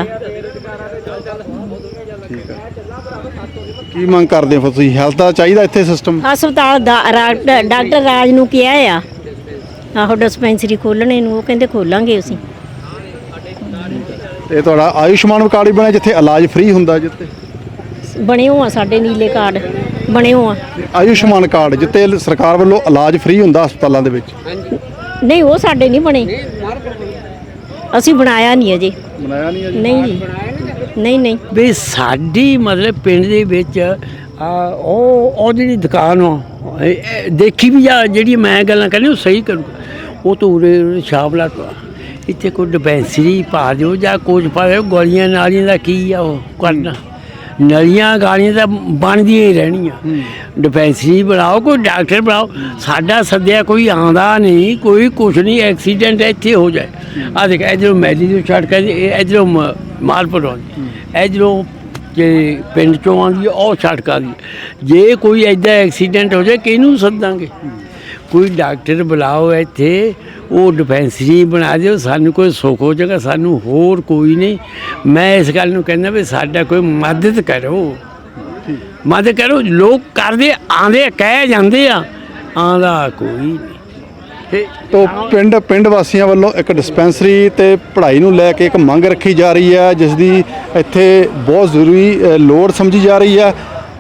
ਠੀਕ ਹੈ। ਕੀ ਮੰਗ ਕਰਦੇ ਹੋ ਫਿਰ ਤੁਸੀਂ? ਹੈਲਥ ਦਾ ਚਾਹੀਦਾ ਇੱਥੇ ਸਿਸਟਮ?
ਹਸਪਤਾਲ ਦਾ ਰਾ- ਡਾਕਟਰ ਰਾਜ ਨੂੰ ਕਿਹਾ ਆ ਆਹੋ ਡਿਸਪੈਂਸਰੀ ਖੋਲਣੇ ਨੂੰ, ਉਹ ਕਹਿੰਦੇ ਖੋਲਾਂਗੇ ਅਸੀਂ।
ਇਹ ਤੁਹਾਡਾ ਆਯੁਸ਼ਮਾਨ ਕਾਰਡ ਵੀ ਬਣਿਆ ਜਿੱਥੇ ਇਲਾਜ ਫ੍ਰੀ ਹੁੰਦਾ? ਜਿੱਥੇ
ਬਣੇ ਹੋ ਆ ਸਾਡੇ ਨੀਲੇ ਕਾਰਡ ਬਣੇ ਹੋ ਆ।
ਆਯੁਸ਼ਮਾਨ ਕਾਰਡ ਜਿੱਥੇ ਸਰਕਾਰ ਵੱਲੋਂ ਇਲਾਜ ਫ੍ਰੀ ਹੁੰਦਾ ਹਸਪਤਾਲਾਂ ਦੇ ਵਿੱਚ?
ਨਹੀਂ, ਉਹ ਸਾਡੇ ਨਹੀਂ ਬਣੇ, ਅਸੀਂ ਬਣਾਇਆ ਨਹੀਂ ਅਜੇ।
ਬਣਾਇਆ ਨਹੀਂ ਅਜੇ?
ਨਹੀਂ ਜੀ, ਨਹੀਂ ਨਹੀਂ।
ਵੀ ਸਾਡੀ ਮਤਲਬ ਪਿੰਡ ਦੇ ਵਿੱਚ ਆ ਉਹ ਉਹ ਜਿਹੜੀ ਦੁਕਾਨ ਆ, ਇਹ- ਇਹ ਦੇਖੀ ਵੀ ਜਾ ਜਿਹੜੀ ਮੈਂ ਗੱਲਾਂ ਕਰਨੀ ਉਹ ਸਹੀ ਕਰੂ। ਉਹ ਤੋਂ ਉਰੇ ਉਰੇ ਸ਼ਾਮਲਾ ਤੋਂ ਇੱਥੇ ਕੋਈ ਡਿਸਪੈਂਸਰੀ ਪਾ ਦਿਓ ਜਾਂ ਕੁਝ ਪਾਵੇ। ਗੋਲੀਆਂ ਨਾਲੀਆਂ ਦਾ ਕੀ ਆ ਉਹ ਕਰਨਾ? ਨਲੀਆਂ ਗਾਲੀਆਂ ਤਾਂ ਬਣਦੀਆਂ ਹੀ ਰਹਿਣੀਆਂ। ਡਿਸਪੈਂਸਰੀ ਬਣਾਓ, ਕੋਈ ਡਾਕਟਰ ਬਣਾਓ। ਸਾਡਾ ਸੱਦਿਆ ਕੋਈ ਆਉਂਦਾ ਨਹੀਂ, ਕੋਈ ਕੁਛ ਨਹੀਂ। ਐਕਸੀਡੈਂਟ ਇੱਥੇ ਹੋ ਜਾਏ, ਆ ਦੇਖ ਇੱਧਰੋਂ ਮੈਦੀ ਤੋਂ ਛੱਡ ਕੇ ਇੱਧਰੋਂ ਮਾਲਪੁਰ ਆਉਂਦੀ, ਇੱਧਰੋਂ ਜੇ ਪਿੰਡ ਚੋਂ ਆਉਂਦੀ ਉਹ ਛੱਡ ਆਉਂਦੀ। ਜੇ ਕੋਈ ਇੱਦਾਂ ਐਕਸੀਡੈਂਟ ਹੋ ਜਾਏ ਕਿਹਨੂੰ ਸੱਦਾਂਗੇ? ਕੋਈ ਡਾਕਟਰ ਬੁਲਾਓ ਇੱਥੇ, ਉਹ ਡਿਸਪੈਂਸਰੀ ਬਣਾ ਦਿਓ, ਸਾਨੂੰ ਕੋਈ ਸੁੱਖ ਹੋ ਜਾਏਗਾ। ਸਾਨੂੰ ਹੋਰ ਕੋਈ ਨਹੀਂ। ਮੈਂ ਇਸ ਗੱਲ ਨੂੰ ਕਹਿੰਦਾ ਵੀ ਸਾਡਾ ਕੋਈ ਮਦਦ ਕਰੋ, ਮਦਦ ਕਰੋ। ਲੋਕ ਕਰਦੇ ਆਂਦੇ ਕਹਿ ਜਾਂਦੇ ਆ, ਆਂਦਾ ਕੋਈ ਨਹੀਂ। ਤੇ
ਤੋ ਪਿੰਡ ਪਿੰਡ ਵਾਸੀਆਂ ਵੱਲੋਂ ਇੱਕ ਡਿਸਪੈਂਸਰੀ ਤੇ ਪੜ੍ਹਾਈ ਨੂੰ ਲੈ ਕੇ ਇੱਕ ਮੰਗ ਰੱਖੀ ਜਾ ਰਹੀ ਹੈ, ਜਿਸ ਦੀ ਇੱਥੇ ਬਹੁਤ ਜ਼ਰੂਰੀ ਅ, ਲੋੜ ਸਮਝੀ ਜਾ ਰਹੀ ਹੈ।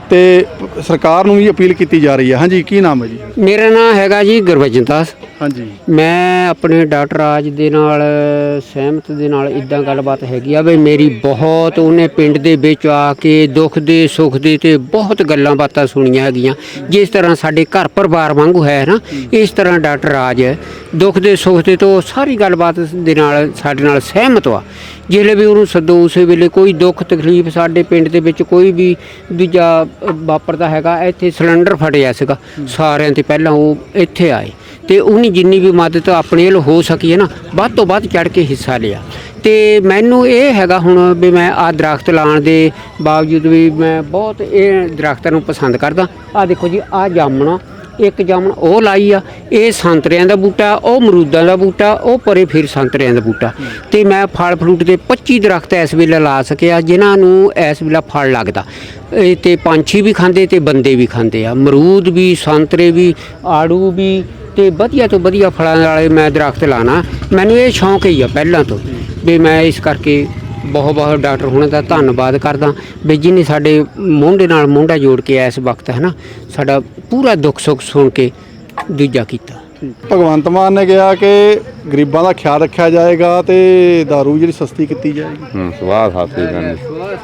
ਤੇ ਸਰਕਾਰ ਨੂੰ ਵੀ ਅਪੀਲ ਕੀਤੀ ਜਾ ਰਹੀ ਹੈ। ਹਾਂਜੀ, ਕੀ ਨਾਮ ਹੈ ਜੀ?
ਮੇਰਾ ਨਾਮ ਹੈਗਾ ਜੀ ਗੁਰਬਚਨ ਦਾਸ।
ਹਾਂਜੀ,
ਮੈਂ ਆਪਣੇ ਡਾਕਟਰ ਰਾਜ ਦੇ ਨਾਲ ਸਹਿਮਤ ਦੇ ਨਾਲ ਇਦਾਂ ਗੱਲਬਾਤ ਹੈਗੀ ਆ ਵੀ ਮੇਰੀ ਬਹੁਤ ਉਹਨੇ ਪਿੰਡ ਦੇ ਵਿੱਚ ਆ ਕੇ ਦੁੱਖ ਦੇ ਸੁੱਖ ਦੇ ਤੇ ਬਹੁਤ ਗੱਲਾਂ ਬਾਤਾਂ ਸੁਣੀਆਂ ਹੈਗੀਆਂ। ਜਿਸ ਤਰ੍ਹਾਂ ਸਾਡੇ ਘਰ ਪਰਿਵਾਰ ਵਾਂਗੂ ਹੈ ਨਾ, ਇਸ ਤਰ੍ਹਾਂ ਡਾਕਟਰ ਰਾਜ ਹੈ ਦੁੱਖ ਦੇ ਸੁੱਖ ਦੇ ਤੋਂ ਸਾਰੀ ਗੱਲਬਾਤ ਦੇ ਨਾਲ ਸਾਡੇ ਨਾਲ ਸਹਿਮਤ ਵਾ। ਜਿਹੜੇ ਵੀ ਉਹਨੂੰ ਸੱਦੋ ਉਸੇ ਵੇਲੇ ਕੋਈ ਦੁੱਖ ਤਕਲੀਫ ਸਾਡੇ ਪਿੰਡ ਦੇ ਵਿੱਚ ਕੋਈ ਵੀ ਦੂਜਾ ਵਾਪਰਦਾ ਹੈਗਾ। ਇੱਥੇ ਸਿਲੰਡਰ ਫਟਿਆ ਸੀਗਾ, ਸਾਰਿਆਂ ਤੇ ਪਹਿਲਾਂ ਉਹ ਇੱਥੇ ਆਏ ਤੇ ਉਹਨੇ ਜਿੰਨੀ ਵੀ ਮਦਦ ਆਪਣੇ ਵੱਲ ਹੋ ਸਕੀ ਹੈ ਨਾ ਵੱਧ ਤੋਂ ਵੱਧ ਚੜ੍ਹ ਕੇ ਹਿੱਸਾ ਲਿਆ। ਤੇ ਮੈਨੂੰ ਇਹ ਹੈਗਾ ਹੁਣ ਵੀ ਮੈਂ ਆਹ ਦਰਖਤ ਲਾਉਣ ਦੇ ਬਾਵਜੂਦ ਵੀ ਮੈਂ ਬਹੁਤ ਇਹ ਦਰਖਤਾਂ ਨੂੰ ਪਸੰਦ ਕਰਦਾ। ਆਹ ਦੇਖੋ ਜੀ, ਆਹ ਜਾਮਣਾ ਇੱਕ ਜਾਮਣ ਉਹ ਲਾਈ ਆ, ਇਹ ਸੰਤਰਿਆਂ ਦਾ ਬੂਟਾ, ਉਹ ਅਮਰੂਦਾਂ ਦਾ ਬੂਟਾ, ਉਹ ਪਰੇ ਫਿਰ ਸੰਤਰਿਆਂ ਦਾ ਬੂਟਾ। ਤੇ ਮੈਂ ਫਲ ਫਰੂਟ ਦੇ ਪੱਚੀ ਦਰਖਤ ਇਸ ਵੇਲੇ ਲਾ ਸਕਿਆ ਜਿਨ੍ਹਾਂ ਨੂੰ ਇਸ ਵੇਲੇ ਫਲ ਲੱਗਦਾ। ਇਹ ਤੇ ਪੰਛੀ ਵੀ ਖਾਂਦੇ ਤੇ ਬੰਦੇ ਵੀ ਖਾਂਦੇ ਆ, ਅਮਰੂਦ ਵੀ, ਸੰਤਰੇ ਵੀ, ਆੜੂ ਵੀ, ਤੇ ਵਧੀਆ ਤੋਂ ਵਧੀਆ ਫਲਾਂ ਵਾਲੇ ਮੈਂ ਦਰਖਤ ਲਾਣਾ। ਮੈਨੂੰ ਇਹ ਸ਼ੌਂਕ ਹੀ ਆ ਪਹਿਲਾਂ ਤੋਂ ਵੀ ਮੈਂ ਇਸ ਕਰਕੇ ਬਹੁਤ ਬਹੁਤ ਡਾਕਟਰ ਹੁਣਾਂ ਦਾ ਧੰਨਵਾਦ ਕਰਦਾ ਵੀ ਜਿਹਨੇ ਸਾਡੇ ਮੋਢੇ ਨਾਲ ਮੋਢਾ ਜੋੜ ਕੇ ਇਸ ਵਕਤ ਹੈ ਨਾ ਸਾਡਾ ਪੂਰਾ ਦੁੱਖ ਸੁੱਖ ਸੁਣ ਕੇ ਦੂਜਾ ਕੀਤਾ।
ਭਗਵੰਤ ਮਾਨ ਨੇ ਕਿਹਾ ਕਿ ਗਰੀਬਾਂ ਦਾ ਖਿਆਲ ਰੱਖਿਆ ਜਾਏਗਾ ਤੇ ਦਾਰੂ ਜਿਹੜੀ ਸਸਤੀ ਕੀਤੀ ਜਾਏਗੀ।
ਹੂੰ, ਸਵਾਹ ਸਾਥੀ ਕਰਨ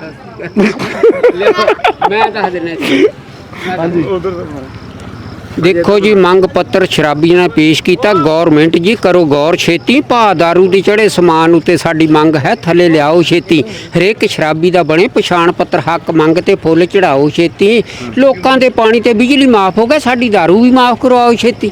ਮੈਂ ਦੱਸ ਦਿੰਦਾ।
ਹਾਂਜੀ,
ਦੇਖੋ ਜੀ, ਮੰਗ ਪੱਤਰ ਸ਼ਰਾਬੀਆਂ ਨੇ ਪੇਸ਼ ਕੀਤਾ। ਗੌਰਮੈਂਟ ਜੀ ਕਰੋ ਗੌਰ ਛੇਤੀ, ਭਾ ਦਾਰੂ ਦੀ ਚੜੇ ਸਮਾਨ ਉੱਤੇ ਸਾਡੀ ਮੰਗ ਹੈ ਥੱਲੇ ਲਿਆਓ ਛੇਤੀ। ਹਰੇਕ ਸ਼ਰਾਬੀ ਦਾ ਬਣੇ ਪਛਾਣ ਪੱਤਰ, ਹੱਕ ਮੰਗ ਤੇ ਫੁੱਲ ਚੜਾਓ ਛੇਤੀ। ਲੋਕਾਂ ਦੇ ਪਾਣੀ ਤੇ ਬਿਜਲੀ ਮਾਫ ਹੋ ਗਿਆ, ਸਾਡੀ ਦਾਰੂ ਵੀ ਮਾਫ ਕਰਵਾਓ ਛੇਤੀ।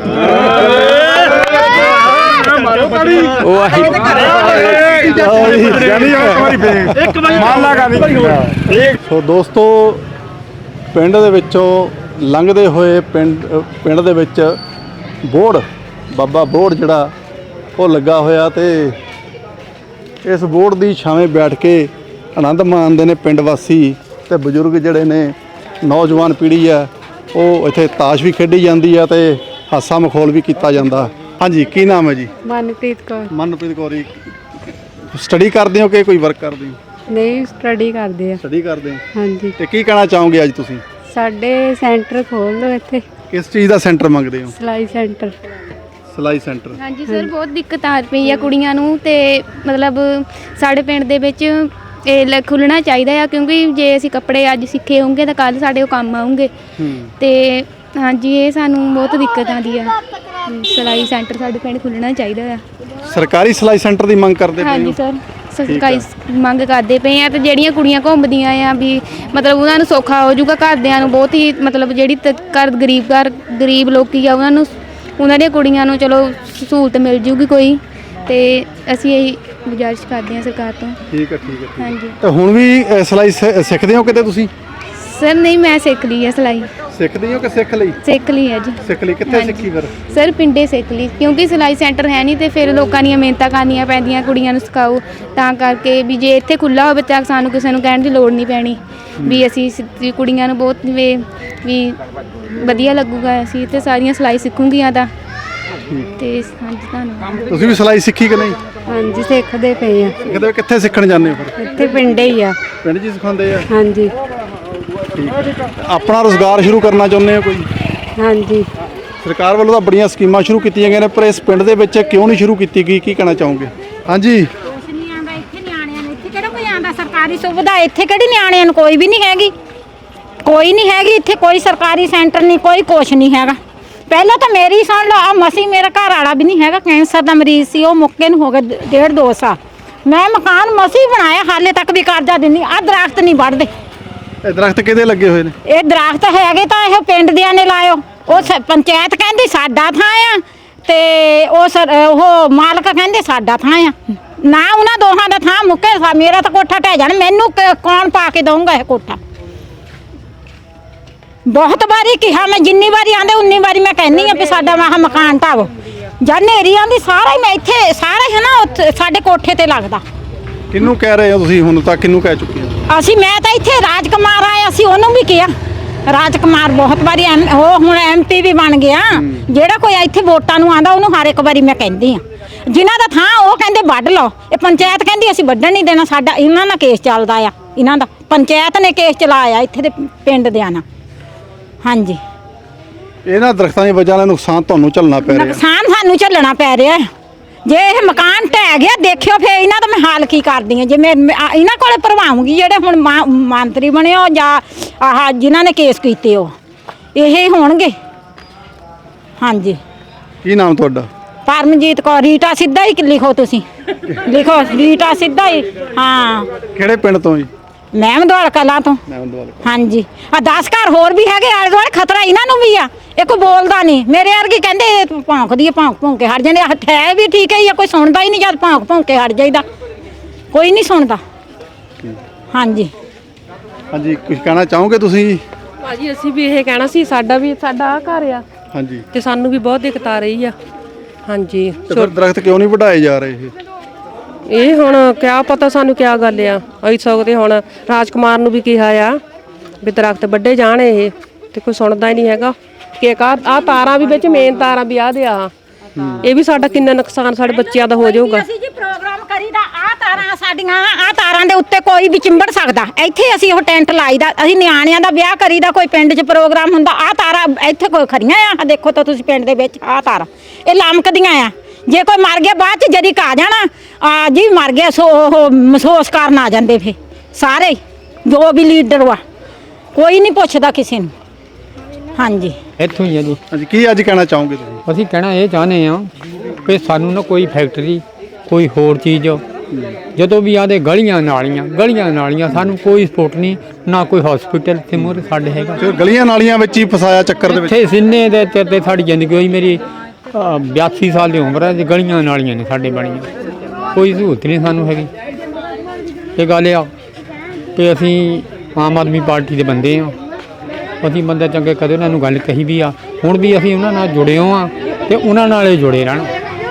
ਸੋ ਦੋਸਤੋ, ਪਿੰਡ ਦੇ ਵਿੱਚੋਂ ਲੰਘਦੇ ਹੋਏ ਪਿੰਡ ਪਿੰਡ ਦੇ ਵਿੱਚ ਬੋਹੜ ਬਾਬਾ ਬੋਹੜ ਜਿਹੜਾ ਉਹ ਲੱਗਾ ਹੋਇਆ ਤੇ ਇਸ ਬੋਹੜ ਦੀ ਛਾਵੇਂ ਬੈਠ ਕੇ ਆਨੰਦ ਮਾਣਦੇ ਨੇ ਪਿੰਡ ਵਾਸੀ ਤੇ ਬਜ਼ੁਰਗ ਜਿਹੜੇ ਨੇ। ਨੌਜਵਾਨ ਪੀੜ੍ਹੀ ਆ ਉਹ ਇੱਥੇ ਤਾਸ਼ ਵੀ ਖੇਡੀ ਜਾਂਦੀ ਆ ਤੇ ਹਾਸਾ ਮਖੌਲ ਵੀ ਕੀਤਾ ਜਾਂਦਾ। ਹਾਂਜੀ, ਕੀ ਨਾਮ ਹੈ ਜੀ?
ਮਨਪ੍ਰੀਤ ਕੌਰ।
ਮਨਪ੍ਰੀਤ ਕੌਰ ਜੀ, ਸਟੱਡੀ ਕਰਦੇ ਹੋ ਕਿ ਕੋਈ ਵਰਕ ਕਰਦੇ ਹੋ?
ਨਹੀਂ, ਸਟੱਡੀ ਕਰਦੇ ਆ।
ਸਟੱਡੀ ਕਰਦੇ ਹੋ,
ਹਾਂਜੀ।
ਤੇ ਕੀ ਕਹਿਣਾ ਚਾਹੋਗੇ ਅੱਜ ਤੁਸੀਂ?
ਸਾਡੇ ਸੈਂਟਰ ਖੋਲ ਲਓ ਇੱਥੇ।
ਕਿਸ ਚੀਜ਼ ਦਾ ਸੈਂਟਰ ਮੰਗਦੇ ਹੋ?
ਸਿਲਾਈ ਸੈਂਟਰ।
ਸਿਲਾਈ ਸੈਂਟਰ।
ਹਾਂਜੀ ਸਰ, ਬਹੁਤ ਦਿੱਕਤ ਆ ਪਈ ਆ ਕੁੜੀਆਂ ਨੂੰ ਤੇ ਮਤਲਬ ਸਾਡੇ ਪਿੰਡ ਦੇ ਵਿੱਚ ਇਹ ਖੁੱਲ੍ਹਣਾ ਚਾਹੀਦਾ ਆ ਕਿਉਂਕਿ ਜੇ ਅਸੀਂ ਕੱਪੜੇ ਅੱਜ ਸਿੱਖੇ ਹੋਣਗੇ ਤਾਂ ਕੱਲ੍ਹ ਸਾਡੇ ਉਹ ਕੰਮ ਆਉਂਗੇ। ਤੇ ਹਾਂਜੀ, ਇਹ ਸਾਨੂੰ ਬਹੁਤ ਦਿੱਕਤ ਆਉਂਦੀ ਆ। ਸਿਲਾਈ ਸੈਂਟਰ ਸਾਡੇ ਪਿੰਡ ਖੁੱਲ੍ਹਣਾ ਚਾਹੀਦਾ ਆ।
ਸਰਕਾਰੀ ਸਿਲਾਈ ਸੈਂਟਰ ਦੀ ਮੰਗ ਕਰਦੇ ਪਏ ਹੋ?
ਹਾਂਜੀ ਸਰ, ਸਰਕਾਰੀ ਮੰਗ ਕਰਦੇ ਪਏ ਆ। ਤੇ ਜਿਹੜੀਆਂ ਕੁੜੀਆਂ ਘੁੰਮਦੀਆਂ ਆ ਵੀ ਮਤਲਬ ਉਹਨਾਂ ਨੂੰ ਸੌਖਾ ਹੋ ਜਾਊਗਾ, ਘਰਦਿਆਂ ਨੂੰ ਬਹੁਤ ਹੀ ਮਤਲਬ ਜਿਹੜੀ ਤ- ਘਰ ਗਰੀਬ ਘਰ ਗਰੀਬ ਲੋਕੀ ਆ ਉਹਨਾਂ ਨੂੰ ਉਹਨਾਂ ਦੀਆਂ ਕੁੜੀਆਂ ਨੂੰ ਚਲੋ ਸਹੂਲਤ ਮਿਲ ਜੂਗੀ ਕੋਈ। ਤੇ ਅਸੀਂ ਇਹੀ ਗੁਜ਼ਾਰਿਸ਼ ਕਰਦੇ ਹਾਂ ਸਰਕਾਰ ਤੋਂ।
ਠੀਕ ਹੈ, ਠੀਕ ਹੈ, ਠੀਕ ਹੈ।
ਹਾਂਜੀ
ਤੇ ਹੁਣ ਵੀ ਅ, ਸਿਲਾਈ ਸਿ- ਸਿੱਖਦੇ ਹੋ ਕਿਤੇ ਤੁਸੀਂ?
ਸਰ ਨਹੀਂ, ਮੈਂ ਸਿੱਖ ਲਈ ਹੈ ਸਿਲਾਈ।
ਸਿੱਖਦੇ ਹੋ ਕਿ ਸਿੱਖ ਲਈ?
ਸਿੱਖ ਲਈ ਹੈ ਜੀ।
ਸਿੱਖ ਲਈ, ਕਿੱਥੇ
ਹਾਂਜੀ।
ਸਿੱਖੀ ਫਿਰ?
ਸਰ ਪਿੰਡੇ ਸਿੱਖ ਲਈ ਕਿਉਂਕਿ ਸਿਲਾਈ ਸੈਂਟਰ ਹੈ ਨਹੀਂ ਤੇ ਫਿਰ ਲੋਕਾਂ ਦੀਆਂ ਮਿਹਨਤਾਂ ਕਰਨੀਆਂ ਪੈਂਦੀਆਂ ਕੁੜੀਆਂ ਨੂੰ ਸਿਖਾਓ, ਤਾਂ ਕਰਕੇ ਵੀ ਜੇ ਇੱਥੇ ਖੁੱਲ੍ਹਾ ਹੋਵੇ ਤਾਂ ਸਾਨੂੰ ਕਿਸੇ ਨੂੰ ਕਹਿਣ ਦੀ ਲੋੜ ਨਹੀਂ ਪੈਣੀ ਵੀ ਅਸੀਂ ਸਿ- ਕੁੜੀਆਂ ਨੂੰ ਬਹੁਤ ਵੀ ਵੀ ਵਧੀਆ ਲੱਗੂਗਾ। ਅਸੀਂ ਇੱਥੇ ਸਾਰੀਆਂ ਸਿਲਾਈ ਸਿੱਖੂਗੀਆਂ ਤਾਂ। ਤੇ ਹਾਂਜੀ, ਧੰਨਵਾਦ।
ਤੁਸੀਂ ਵੀ ਸਿਲਾਈ ਸਿੱਖੀ ਕਿ ਨਹੀਂ?
ਹਾਂਜੀ, ਸਿੱਖਦੇ ਪਏ ਆ।
ਸਿੱਖਦੇ ਹੋ, ਕਿੱਥੇ ਸਿੱਖਣ ਜਾਂਦੇ ਹੋ ਫਿਰ?
ਇੱਥੇ ਪਿੰਡੇ ਹੀ ਆ।
ਪਿੰਡ 'ਚ ਹੀ ਸਿਖਾਉਂਦੇ ਆ?
ਹਾਂਜੀ
ਆਪਣਾ ਰੁਜ਼ਗਾਰ ਸ਼ੁਰੂ ਕਰਨਾ ਚਾਹੁੰਦੇ ਹੋ ਕੋਈ?
ਹਾਂਜੀ।
ਸਰਕਾਰ ਵੱਲੋਂ ਤਾਂ ਬੜੀਆਂ ਸਕੀਮਾਂ ਸ਼ੁਰੂ ਕੀਤੀਆਂ ਗਈਆਂ ਨੇ, ਪਰ ਇਸ ਪਿੰਡ ਦੇ ਵਿੱਚ ਕਿਉਂ ਨਹੀਂ ਸ਼ੁਰੂ ਕੀਤੀ ਗਈ? ਕੀ ਕਹਿਣਾ ਚਾਹੋਗੇ? ਹਾਂਜੀ।
ਕੁਛ ਨਹੀਂ ਆਂਦਾ ਇੱਥੇ, ਨਿਆਣਿਆਂ ਨੂੰ ਇੱਥੇ ਕਿਹੜਾ ਕੋਈ ਆਂਦਾ ਸਰਕਾਰੀ ਸੁਵਿਧਾ ਇੱਥੇ ਕਿਹੜੀ ਨਿਆਣਿਆਂ ਨੂੰ ਕੋਈ ਵੀ ਨਹੀਂ ਹੈਗੀ। ਕੋਈ ਨਹੀਂ ਹੈਗੀ ਇੱਥੇ, ਕੋਈ ਸਰਕਾਰੀ ਸੈਂਟਰ ਨਹੀਂ, ਕੋਈ ਕੁਛ ਨਹੀਂ ਹੈਗਾ। ਪਹਿਲਾਂ ਤਾਂ ਮੇਰੀ ਸੁਣ ਲਓ, ਆ ਮਸੀ ਮੇਰਾ ਘਰ ਵਾਲਾ ਵੀ ਨਹੀਂ ਹੈਗਾ, ਕੈਂਸਰ ਦਾ ਮਰੀਜ਼ ਸੀ, ਉਹ ਮੁੱਕੇ ਨੂੰ ਹੋ ਗਿਆ ਡੇਢ ਦੋ ਸਾਲ। ਮੈਂ ਮਕਾਨ ਮਸੀ ਬਣਾਇਆ, ਹਾਲੇ ਤੱਕ ਵੀ ਕਰਜ਼ਾ ਦਿੰਦੀ। ਆ ਦਰਖਤ ਨਹੀਂ ਵੱਢਦੇ।
ਇਹ ਦਰਖਤ ਕਿਹਦੇ ਲੱਗੇ ਹੋਏ ਨੇ?
ਇਹ ਦਰਖਤ ਹੈਗੇ ਤਾਂ ਇਹ ਪਿੰਡ ਦਿਆਂ ਨੇ ਲਾਇਓ। ਉਹ ਸ- ਪੰਚਾਇਤ ਕਹਿੰਦੀ ਸਾਡਾ ਥਾਂ ਆ ਤੇ ਉਹ ਸਰ ਉਹ ਮਾਲਕ ਕਹਿੰਦੇ ਸਾਡਾ ਥਾਂ ਆ। ਨਾ ਉਹਨਾਂ ਦੋਹਾਂ ਦਾ ਥਾਂ ਮੁੱਕੇ, ਮੇਰਾ ਤਾਂ ਕੋਠਾ ਢਹਿ ਜਾਣਾ। ਮੈਨੂੰ ਕ- ਕੌਣ ਪਾ ਕੇ ਦਊਗਾ ਇਹ ਕੋਠਾ? ਬਹੁਤ ਵਾਰੀ ਕਿਹਾ ਮੈਂ, ਜਿੰਨੀ ਵਾਰੀ ਆਂਦੇ ਉਨੀ ਵਾਰੀ ਮੈਂ ਕਹਿੰਦੀ ਆ ਵੀ ਸਾਡਾ ਵਾਹ ਮਕਾਨ ਢਾਵੋ। ਜਾਂ ਨੇਰੀ ਆਂਦੀ ਸਾਰਾ ਹੀ ਮੈਂ ਇੱਥੇ ਸਾਰਾ ਹੈ ਨਾ ਉੱਥੇ ਸਾਡੇ ਕੋਠੇ ਤੇ ਲੱਗਦਾ।
ਕਿਹਨੂੰ ਕਹਿ ਰਹੇ ਹੋ ਤੁਸੀਂ ਹੁਣ ਤੱਕ? ਕਿਹਨੂੰ ਕਹਿ ਚੁੱਕੇ ਹੋ?
ਅਸੀਂ ਮੈਂ ਤਾਂ ਇੱਥੇ ਰਾਜਕੁਮਾਰ ਆਇਆ ਸੀ, ਉਹਨੂੰ ਵੀ ਕਿਹਾ। ਰਾਜਕੁਮਾਰ ਬਹੁਤ ਵਾਰੀ ਐਮ- ਉਹ ਹੁਣ ਐਮ ਪੀ ਵੀ ਬਣ ਗਿਆ। ਜਿਹੜਾ ਕੋਈ ਇੱਥੇ ਵੋਟਾਂ ਨੂੰ ਆਂਦਾ ਉਹਨੂੰ ਹਰ ਇੱਕ ਵਾਰੀ ਮੈਂ ਕਹਿੰਦੀ ਆ। ਜਿਨ੍ਹਾਂ ਦਾ ਥਾਂ ਉਹ ਕਹਿੰਦੇ ਵੱਢ ਲਓ। ਇਹ ਪੰਚਾਇਤ ਕਹਿੰਦੀ ਅਸੀਂ ਵੱਢਣ ਨਹੀਂ ਦੇਣਾ, ਸਾਡਾ ਇਹਨਾਂ ਨਾਲ ਕੇਸ ਚੱਲਦਾ ਆ। ਇਹਨਾਂ ਦਾ ਪੰਚਾਇਤ ਨੇ ਕੇਸ ਚਲਾਇਆ ਇੱਥੇ ਦੇ ਪਿੰਡ ਦਿਆਂ ਨਾਲ। ਹਾਂਜੀ
ਇਹਨਾਂ ਦਰਖਤਾਂ ਦੀ ਵਜ੍ਹਾ ਨਾਲ ਨੁਕਸਾਨ ਤੁਹਾਨੂੰ ਝੱਲਣਾ ਪੈ ਰਿਹਾ।
ਨੁਕਸਾਨ ਸਾਨੂੰ ਝੱਲਣਾ ਪੈ ਰਿਹਾ। ਜੇ ਇਹ ਮਕਾਨ ਢਹਿ ਗਿਆ ਦੇਖਿਓ ਫੇਰ ਇਹਨਾਂ ਦਾ ਮੈਂ ਹਾਲ ਕੀ ਕਰਦੀ ਹਾਂ। ਜੇ ਮੈਂ ਮੈਂ ਆ- ਇਹਨਾਂ ਕੋਲੇ ਭਰਵਾਉਂਗੀ ਜਿਹੜੇ ਹੁਣ ਮਾ- ਮੰਤਰੀ ਬਣੇ ਹੋ ਜਾਂ ਆਹ ਜਿਨ੍ਹਾਂ ਨੇ ਕੇਸ ਕੀਤੇ ਹੋ ਇਹ ਹੀ ਹੋਣਗੇ। ਹਾਂਜੀ
ਕੀ ਨਾਮ ਤੁਹਾਡਾ?
ਪਰਮਜੀਤ ਕੌਰ। ਰੀਟਾ ਸਿੱਧਾ ਹੀ ਲਿਖੋ ਤੁਸੀਂ, ਲਿਖੋ ਰੀਟਾ ਸਿੱਧਾ ਹੀ। ਹਾਂ
ਕਿਹੜੇ ਪਿੰਡ ਤੋਂ ਜੀ?
ਮਹਿਮਦਵਾਲ ਕਲਾਂ ਤੋਂ।
ਮਹਿਮਦਵਾਲ।
ਹਾਂਜੀ ਆ ਦਸ ਘਰ ਹੋਰ ਵੀ ਹੈਗੇ ਆਲੇ ਦੁਆਲੇ, ਖਤਰਾ ਇਹਨਾਂ ਨੂੰ ਵੀ ਆ। ਇਹ ਕੋਈ ਬੋਲਦਾ ਨਹੀਂ। ਮੇਰੇ ਵਰਗੀ ਕਹਿੰਦੇ ਭੌਂਕਦੀ ਆ, ਭੌਂਕ ਭੌਂਕ ਕੇ ਹਟ ਜਾਂਦੇ। ਹੱਥ ਹੈ ਵੀ ਠੀਕ ਹੈ, ਕੋਈ ਸੁਣਦਾ ਹੀ ਨਹੀਂ। ਜਦ ਭੌਂਕ ਭੌਂਕ ਕੇ ਹਟ ਜਾਈਦਾ ਕੋਈ ਨਹੀਂ ਸੁਣਦਾ। ਹਾਂਜੀ
ਹਾਂਜੀ ਕੁਝ ਕਹਿਣਾ ਚਾਹੋਗੇ ਤੁਸੀਂ ਜੀ?
ਭਾਜੀ ਅਸੀਂ ਵੀ ਇਹ ਕਹਿਣਾ ਸੀ, ਸਾਡਾ ਵੀ ਸਾਡਾ ਆ ਘਰ ਆ
ਹਾਂਜੀ
ਤੇ ਸਾਨੂੰ ਵੀ ਬਹੁਤ ਦਿੱਕਤ ਆ ਰਹੀ ਆ। ਹਾਂਜੀ
ਤੇ ਫਿਰ ਦਰਖਤ ਕਿਉਂ ਨਹੀਂ ਵਧਾਏ ਜਾ ਰਹੇ ਇਹ?
ਇਹ ਹੁਣ ਕਿਆ ਪਤਾ ਸਾਨੂੰ ਕਿਆ ਗੱਲ ਆ। ਅਸੀਂ ਸਕਦੇ ਹੁਣ ਰਾਜਕੁਮਾਰ ਨੂੰ ਵੀ ਕਿਹਾ ਆ ਵੀ ਦਰਖਤ ਵੱਡੇ ਜਾਣ ਇਹ, ਤੇ ਕੋਈ ਸੁਣਦਾ ਹੀ ਨਹੀਂ ਹੈਗਾ। ਕਿ ਆ ਤਾਰਾਂ ਵੀ ਵਿੱਚ ਮੇਨ ਤਾਰਾਂ ਵੀ ਆ ਦੇ ਆ, ਇਹ ਵੀ ਸਾਡਾ ਕਿੰਨਾ ਨੁਕਸਾਨ ਸਾਡੇ ਬੱਚਿਆਂ ਦਾ ਹੋ ਜਾਊਗਾ।
ਅਸੀਂ ਜੀ ਪ੍ਰੋਗਰਾਮ ਕਰੀਦਾ ਆ ਤਾਰਾਂ ਸਾਡੀਆਂ ਆ ਤਾਰਾਂ ਦੇ ਉੱਤੇ ਕੋਈ ਵੀ ਚਿੰਬੜ ਸਕਦਾ। ਇੱਥੇ ਅਸੀਂ ਉਹ ਟੈਂਟ ਲਾਈਦਾ। ਅਸੀਂ ਨਿਆਣਿਆਂ ਦਾ ਵਿਆਹ ਕਰੀਦਾ, ਕੋਈ ਪਿੰਡ 'ਚ ਪ੍ਰੋਗਰਾਮ ਹੁੰਦਾ ਆ ਤਾਰਾਂ ਇੱਥੇ ਕੋਈ ਖੜੀਆਂ ਆ। ਦੇਖੋ ਤਾਂ ਤੁਸੀਂ ਪਿੰਡ ਦੇ ਵਿੱਚ ਆ ਤਾਰਾਂ ਇਹ ਲਮਕਦੀਆਂ ਆ। ਜੇ ਕੋਈ ਮਰ ਗਿਆ ਬਾਅਦ 'ਚ ਜਦੀ ਕਾ ਜਾਣਾ ਆ ਜੀ ਮਰ ਗਿਆ ਸੋ ਉਹ ਮਹਿਸੂਸ ਕਰਨ ਆ ਜਾਂਦੇ ਫੇ ਸਾਰੇ ਜੋ ਵੀ ਲੀਡਰ ਵਾ, ਕੋਈ ਨਹੀਂ ਪੁੱਛਦਾ ਕਿਸੇ ਨੂੰ। ਹਾਂਜੀ
ਇੱਥੋਂ ਹੀ ਆ ਜੀ।
ਹਾਂਜੀ ਕੀ ਅੱਜ ਕਹਿਣਾ ਚਾਹੋਗੇ ਤੁਸੀਂ?
ਅਸੀਂ ਕਹਿਣਾ ਇਹ ਚਾਹੁੰਦੇ ਹਾਂ ਕਿ ਸਾਨੂੰ ਨਾ ਕੋਈ ਫੈਕਟਰੀ ਕੋਈ ਹੋਰ ਚੀਜ਼ ਜਦੋਂ ਵੀ ਆਦੇ ਗਲੀਆਂ ਨਾਲੀਆਂ ਗਲੀਆਂ ਨਾਲੀਆਂ ਸਾਨੂੰ ਕੋਈ ਸਪੋਰਟ ਨਹੀਂ, ਨਾ ਕੋਈ ਹਸਪੀਟਲ ਤੇ ਮੂਹਰੇ ਸਾਡੇ ਹੈਗਾ।
ਫਿਰ ਗਲੀਆਂ ਨਾਲੀਆਂ ਵਿੱਚ ਹੀ ਫਸਾਇਆ ਚੱਕਰ ਦੇ ਵਿੱਚ।
ਇੱਥੇ ਸਿੰਨੇ ਦੇ ਤੇ ਤੇ ਸਾਡੀ ਜ਼ਿੰਦਗੀ ਹੋਈ। ਮੇਰੀ ਅ, ਬਿਆਸੀ ਸਾਲ ਦੀ ਉਮਰ ਹੈ ਤੇ ਗਲੀਆਂ ਨਾਲੀਆਂ ਨੇ ਸਾਡੇ ਬਣੀਆਂ, ਕੋਈ ਸਹੂਲਤ ਨਹੀਂ ਸਾਨੂੰ ਹੈਗੀ। ਇਹ ਗੱਲ ਆ ਕਿ ਅਸੀਂ ਆਮ ਆਦਮੀ ਪਾਰਟੀ ਦੇ ਬੰਦੇ ਹਾਂ। ਅਸੀਂ ਬੰਦੇ ਚੰਗੇ ਕਦੇ ਉਹਨਾਂ ਨੂੰ ਗੱਲ ਕਹੀ ਵੀ ਆ, ਹੁਣ ਵੀ ਅਸੀਂ ਉਹਨਾਂ ਨਾਲ ਜੁੜੇ ਹੋ ਆ ਤੇ ਉਹਨਾਂ ਨਾਲ ਹੀ ਜੁੜੇ ਰਹਿਣਾ।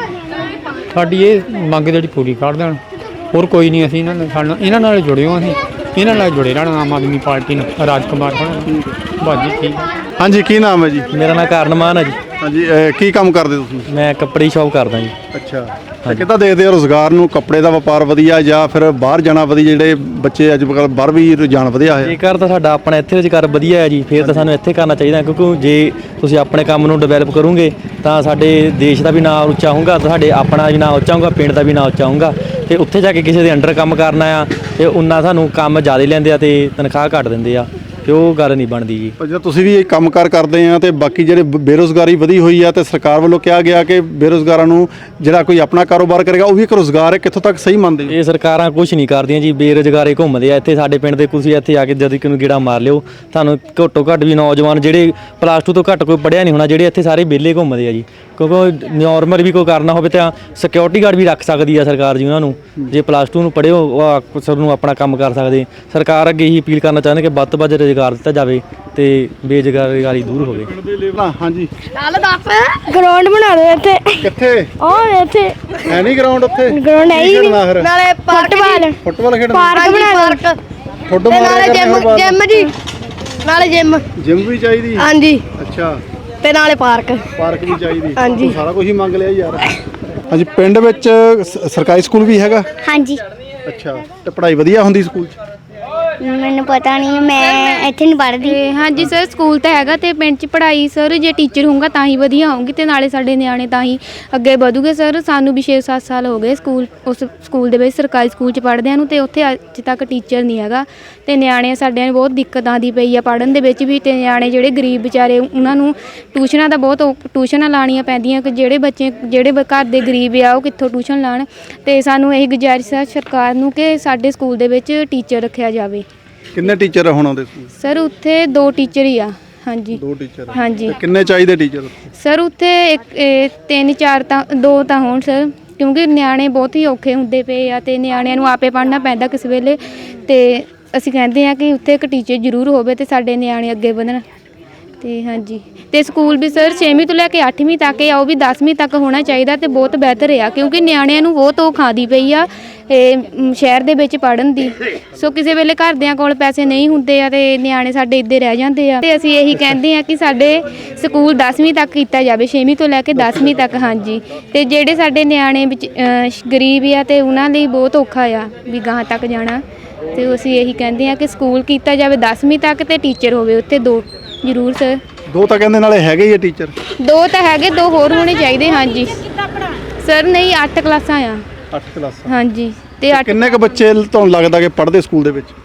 ਸਾਡੀ ਇਹ ਮੰਗ ਜਿਹੜੀ ਪੂਰੀ ਕਰ ਦੇਣ, ਹੋਰ ਕੋਈ ਨਹੀਂ। ਅਸੀਂ ਇਹਨਾਂ ਨਾਲ ਇਹਨਾਂ ਨਾਲ ਜੁੜੇ ਹੋ, ਅਸੀਂ ਇਹਨਾਂ ਨਾਲ ਜੁੜੇ ਰਹਿਣਾ ਆਮ ਆਦਮੀ ਪਾਰਟੀ ਨਾਲ। ਰਾਜਕੁਮਾਰ ਹੋਣਾ ਬਾਜੀ ਠੀਕ।
ਹਾਂਜੀ ਕੀ ਨਾਮ ਹੈ ਜੀ?
ਮੇਰਾ ਨਾਮ ਕਾਰਨਮਾਨ ਹੈ ਜੀ।
ਹਾਂਜੀ ਅਹ, ਕੀ ਕੰਮ ਕਰਦੇ ਤੁਸੀਂ?
ਮੈਂ ਕੱਪੜੇ ਦੀ ਸ਼ੌਪ ਕਰਦਾ ਜੀ।
ਅੱਛਾ ਤੇ ਕਿੱਦਾਂ ਦੇਖਦੇ ਹੋ ਰੋਜ਼ਗਾਰ ਨੂੰ? ਕੱਪੜੇ ਦਾ ਵਪਾਰ ਵਧੀਆ ਜਾਂ ਫਿਰ ਬਾਹਰ ਜਾਣਾ ਵਧੀਆ? ਜਿਹੜੇ ਬੱਚੇ ਅੱਜ ਕੱਲ੍ਹ ਬਾਹਰ ਵੀ ਰੁਝਾਨ ਵਧਿਆ ਹੈ।
ਜੇਕਰ ਤਾਂ ਸਾਡਾ ਆਪਣਾ ਇੱਥੇ ਰੁਜ਼ਗਾਰ ਵਧੀਆ ਹੈ ਜੀ, ਫਿਰ ਤਾਂ ਸਾਨੂੰ ਇੱਥੇ ਕਰਨਾ ਚਾਹੀਦਾ। ਕਿਉਂਕਿ ਜੇ ਤੁਸੀਂ ਆਪਣੇ ਕੰਮ ਨੂੰ ਡਿਵੈਲਪ ਕਰੋਗੇ ਤਾਂ ਸਾਡੇ ਦੇਸ਼ ਦਾ ਵੀ ਨਾਮ ਉੱਚਾ ਹੋਊਗਾ, ਤੁਹਾਡੇ ਆਪਣਾ ਵੀ ਨਾਮ ਉੱਚਾ ਹੋਊਗਾ, ਪਿੰਡ ਦਾ ਵੀ ਨਾਮ ਉੱਚਾ ਹੋਊਗਾ। ਤੇ ਉੱਥੇ ਜਾ ਕੇ ਕਿਸੇ ਦੇ ਅੰਡਰ ਕੰਮ ਕਰਨਾ ਆ ਤੇ ਉਹਨਾਂ ਸਾਨੂੰ ਕੰਮ ਜ਼ਿਆਦਾ ਲੈਂਦੇ ਆ ਤੇ ਤਨਖਾਹ ਘੱਟ ਦਿੰਦੇ ਆ, ਤੇ ਉਹ ਗੱਲ ਨਹੀਂ ਬਣਦੀ ਜੀ।
ਪਰ ਜਦੋਂ ਤੁਸੀਂ ਵੀ ਇਹ ਕੰਮਕਾਰ ਕਰਦੇ ਆ ਤੇ ਬਾਕੀ ਜਿਹੜੇ ਬ- ਬੇਰੁਜ਼ਗਾਰੀ ਵਧੀ ਹੋਈ ਆ ਤੇ ਸਰਕਾਰ ਵੱਲੋਂ ਕਿਹਾ ਗਿਆ ਕਿ ਬੇਰੁਜ਼ਗਾਰਾਂ ਨੂੰ ਜਿਹੜਾ ਕੋਈ ਆਪਣਾ ਕਾਰੋਬਾਰ ਕਰੇਗਾ ਉਹ ਵੀ ਇੱਕ ਰੁਜ਼ਗਾਰ ਹੈ, ਕਿੱਥੋਂ ਤੱਕ ਸਹੀ ਮੰਨਦੇ ਹੋ?
ਇਹ ਸਰਕਾਰਾਂ ਕੁਝ ਨਹੀਂ ਕਰਦੀਆਂ ਜੀ, ਬੇਰੁਜ਼ਗਾਰੇ ਘੁੰਮਦੇ ਆ ਇੱਥੇ। ਸਾਡੇ ਪਿੰਡ ਦੇ ਤੁਸੀਂ ਇੱਥੇ ਆ ਕੇ ਜਦੋਂ ਕਿ ਨੂੰ ਗੇੜਾ ਮਾਰ ਲਿਓ, ਤੁਹਾਨੂੰ ਘੱਟੋ ਘੱਟ ਵੀ ਨੌਜਵਾਨ ਜਿਹੜੇ ਪਲੱਸ ਟੂ ਤੋਂ ਘੱਟ ਕੋਈ ਪੜ੍ਹਿਆ ਨਹੀਂ ਹੋਣਾ, ਜਿਹੜੇ ਇੱਥੇ ਸਾਰੇ ਵਿਹਲੇ ਘੁੰਮਦੇ ਆ ਜੀ। ਕਿਉਂਕਿ ਨੋਰਮਲ ਵੀ ਕੋਈ ਕਰਨਾ ਹੋਵੇ ਤਾਂ ਸਿਕਿਉਰਿਟੀ ਗਾਰਡ ਵੀ ਰੱਖ ਸਕਦੀ ਆ ਸਰਕਾਰ ਜੀ ਉਹਨਾਂ ਨੂੰ। ਜੇ ਪਲੱਸ ਟੂ ਨੂੰ ਪੜ੍ਹਿਓ ਉਹ ਸਭ ਨੂੰ ਆਪਣਾ ਕੰਮ ਕਰ ਸਕਦੇ। ਸਰਕਾਰ ਅੱਗੇ ਹੀ ਅਪੀਲ ਕਰਨਾ ਚਾਹੁੰਦੇ ਕਿ ਵੱਧ ਤੋਂ ਵੱਧ ਰੁਜ਼ਗਾਰ ਦਿੱਤਾ ਜਾਵੇ ਤੇ ਬੇਰੁਜ਼ਗਾਰੀ ਦੂਰ ਹੋਵੇ।
ਹਾਂਜੀ
ਗਰਾਊਂਡ ਬਣਾ ਦਿਓ ਇੱਥੇ।
ਕਿੱਥੇ?
ਉਹ ਇੱਥੇ
ਹੈ ਨਹੀਂ ਗਰਾਊਂਡ ਉੱਥੇ?
ਗਰਾਊਂਡ ਹੈ ਹੀ
ਖੇਡਣਾ ਫਿਰ?
ਨਾਲੇ ਫੁੱਟਬਾਲ
ਫੁੱਟਬਾਲ ਖੇਡਣਾ?
ਪਾਰਕ ਬਣਾ ਦਿਓ।
ਫੁੱਟਬਾਲ
ਨਾਲੇ ਜਿਮ ਜਿਮ ਜੀ, ਨਾਲੇ ਜਿਮ
ਜਿਮ ਵੀ ਚਾਹੀਦੀ?
ਹਾਂਜੀ
ਅੱਛਾ
ਤੇ ਨਾਲੇ ਪਾਰਕ
ਪਾਰਕ ਵੀ ਚਾਹੀਦੀ?
ਹਾਂਜੀ।
ਤੂੰ ਸਾਰਾ ਕੁਝ ਹੀ ਮੰਗ ਲਿਆ ਯਾਰ। ਹਾਂਜੀ ਪਿੰਡ ਵਿੱਚ ਸ- ਸਰਕਾਰੀ ਸਕੂਲ ਵੀ ਹੈਗਾ?
ਹਾਂਜੀ
ਅੱਛਾ ਤੇ ਪੜ੍ਹਾਈ ਵਧੀਆ ਹੁੰਦੀ ਸਕੂਲ 'ਚ?
ਮੈਨੂੰ ਪਤਾ ਨਹੀਂ, ਮੈਂ ਇੱਥੇ ਨਹੀਂ ਪੜ੍ਹਦੀ।
ਤੇ ਹਾਂਜੀ ਸਰ ਸਕੂਲ ਤਾਂ ਹੈਗਾ ਤੇ ਪਿੰਡ 'ਚ ਪੜ੍ਹਾਈ ਸਰ ਜੇ ਟੀਚਰ ਹੋਊਗਾ ਤਾਂ ਹੀ ਵਧੀਆ ਹੋਊਗੀ ਤੇ ਨਾਲੇ ਸਾਡੇ ਨਿਆਣੇ ਤਾਂ ਹੀ ਅੱਗੇ ਵਧੂਗੇ ਸਰ। ਸਾਨੂੰ ਵੀ ਛੇ ਸੱਤ ਸਾਲ ਹੋ ਗਏ ਸਕੂਲ ਉਸ ਸਕੂਲ ਦੇ ਵਿੱਚ ਸਰਕਾਰੀ ਸਕੂਲ 'ਚ ਪੜ੍ਹਦਿਆਂ ਨੂੰ, ਤੇ ਉੱਥੇ ਅੱਜ ਤੱਕ ਟੀਚਰ ਨਹੀਂ ਹੈਗਾ ਤੇ ਨਿਆਣੇ ਸਾਡਿਆਂ ਨੂੰ ਬਹੁਤ ਦਿੱਕਤ ਆਉਂਦੀ ਪਈ ਆ ਪੜ੍ਹਨ ਦੇ ਵਿੱਚ ਵੀ। ਤੇ ਨਿਆਣੇ ਜਿਹੜੇ ਗਰੀਬ ਵਿਚਾਰੇ ਉਹਨਾਂ ਨੂੰ ਟਿਊਸ਼ਨਾਂ ਦਾ ਬਹੁਤ ਔ- ਟਿਊਸ਼ਨਾਂ ਲਾਉਣੀਆਂ ਪੈਂਦੀਆਂ ਕਿ ਜਿਹੜੇ ਬੱਚੇ ਜਿਹੜੇ ਬ- ਘਰ ਦੇ ਗਰੀਬ ਆ ਉਹ ਕਿੱਥੋਂ ਟਿਊਸ਼ਨ ਲਾਉਣ। ਤੇ ਸਾਨੂੰ ਇਹ ਗੁਜ਼ਾਰਿਸ਼ ਹੈ ਸਰਕਾਰ ਨੂੰ ਕਿ ਸਾਡੇ ਸਕੂਲ ਦੇ ਵਿੱਚ ਟੀਚਰ ਰੱਖਿਆ ਜਾਵੇ।
ਕਿੰਨੇ ਟੀਚਰ ਹੁਣ ਆਉਂਦੇ ਸਕੂਲ?
ਸਰ ਉੱਥੇ ਦੋ ਟੀਚਰ ਹੀ ਆ। ਹਾਂਜੀ
ਦੋ ਟੀਚਰ?
ਹਾਂਜੀ
ਤੇ ਕਿੰਨੇ ਚਾਹੀਦੇ ਟੀਚਰ?
ਸਰ ਉੱਥੇ ਇੱਕ ਇਹ ਤਿੰਨ ਚਾਰ ਤਾਂ ਦੋ ਤਾਂ ਹੋਣ ਸਰ, ਕਿਉਂਕਿ ਨਿਆਣੇ ਬਹੁਤ ਹੀ ਔਖੇ ਹੁੰਦੇ ਪਏ ਆ ਤੇ ਨਿਆਣਿਆਂ ਨੂੰ ਆਪੇ ਪੜ੍ਹਨਾ ਪੈਂਦਾ ਕਿਸੇ ਵੇਲੇ। ਤੇ ਅਸੀਂ ਕਹਿੰਦੇ ਆ ਕਿ ਉੱਥੇ ਇੱਕ ਟੀਚਰ ਜ਼ਰੂਰ ਹੋਵੇ ਤੇ ਸਾਡੇ ਨਿਆਣੇ ਅੱਗੇ ਵਧਣ। ਤੇ ਹਾਂਜੀ ਤੇ ਸਕੂਲ ਵੀ ਸਰ ਛੇਵੀਂ ਤੋਂ ਲੈ ਕੇ ਅੱਠਵੀਂ ਤੱਕ ਆ, ਉਹ ਵੀ ਦਸਵੀਂ ਤੱਕ ਹੋਣਾ ਚਾਹੀਦਾ ਤੇ ਬਹੁਤ ਬਿਹਤਰ ਆ, ਕਿਉਂਕਿ ਨਿਆਣਿਆਂ ਨੂੰ ਬਹੁਤ ਔਖ ਆਉਂਦੀ ਪਈ ਆ ਇਹ ਮ, ਸ਼ਹਿਰ ਦੇ ਵਿੱਚ ਪੜ੍ਹਨ ਦੀ। ਸੋ ਕਿਸੇ ਵੇਲੇ ਘਰਦਿਆਂ ਕੋਲ ਪੈਸੇ ਨਹੀਂ ਹੁੰਦੇ ਆ ਤੇ ਨਿਆਣੇ ਸਾਡੇ ਇੱਧੇ ਰਹਿ ਜਾਂਦੇ ਆ। ਤੇ ਅਸੀਂ ਇਹੀ ਕਹਿੰਦੇ ਆ ਕਿ ਸਾਡੇ ਸਕੂਲ ਦਸਵੀਂ ਤੱਕ ਕੀਤਾ ਜਾਵੇ, ਛੇਵੀਂ ਤੋਂ ਲੈ ਕੇ ਦਸਵੀਂ ਤੱਕ। ਹਾਂਜੀ ਤੇ ਜਿਹੜੇ ਸਾਡੇ ਨਿਆਣੇ ਵਿੱਚ ਅ, ਗਰੀਬ ਆ ਤੇ ਉਹਨਾਂ ਲਈ ਬਹੁਤ ਔਖਾ ਆ ਵੀ ਗਾਹਾਂ ਤੱਕ ਜਾਣਾ। ਤੇ ਅਸੀਂ ਇਹੀ ਕਹਿੰਦੇ ਆ ਕਿ ਸਕੂਲ ਕੀਤਾ ਜਾਵੇ ਦਸਵੀਂ ਤੱਕ ਤੇ ਟੀਚਰ ਹੋਵੇ ਉੱਥੇ ਦੋ ਜ਼ਰੂਰ ਸਰ।
ਦੋ ਤਾਂ ਕਹਿੰਦੇ ਨਾਲੇ ਹੈਗੇ ਹੀ ਆ ਟੀਚਰ।
ਦੋ ਤਾਂ ਹੈਗੇ, ਦੋ ਹੋਰ ਹੋਣੇ ਚਾਹੀਦੇ। ਹਾਂਜੀ ਸਰ, ਨਹੀਂ ਅੱਠ ਕਲਾਸਾਂ ਆ।
ਅੱਠ ਕਲਾਸਾਂ।
ਹਾਂਜੀ ਤੇ ਅੱਠ
ਕਿੰਨੇ ਕੁ ਬੱਚੇ ਤੁਹਾਨੂੰ ਲੱਗਦਾ ਕਿ ਪੜ੍ਹਦੇ ਸਕੂਲ ਦੇ ਵਿੱਚ?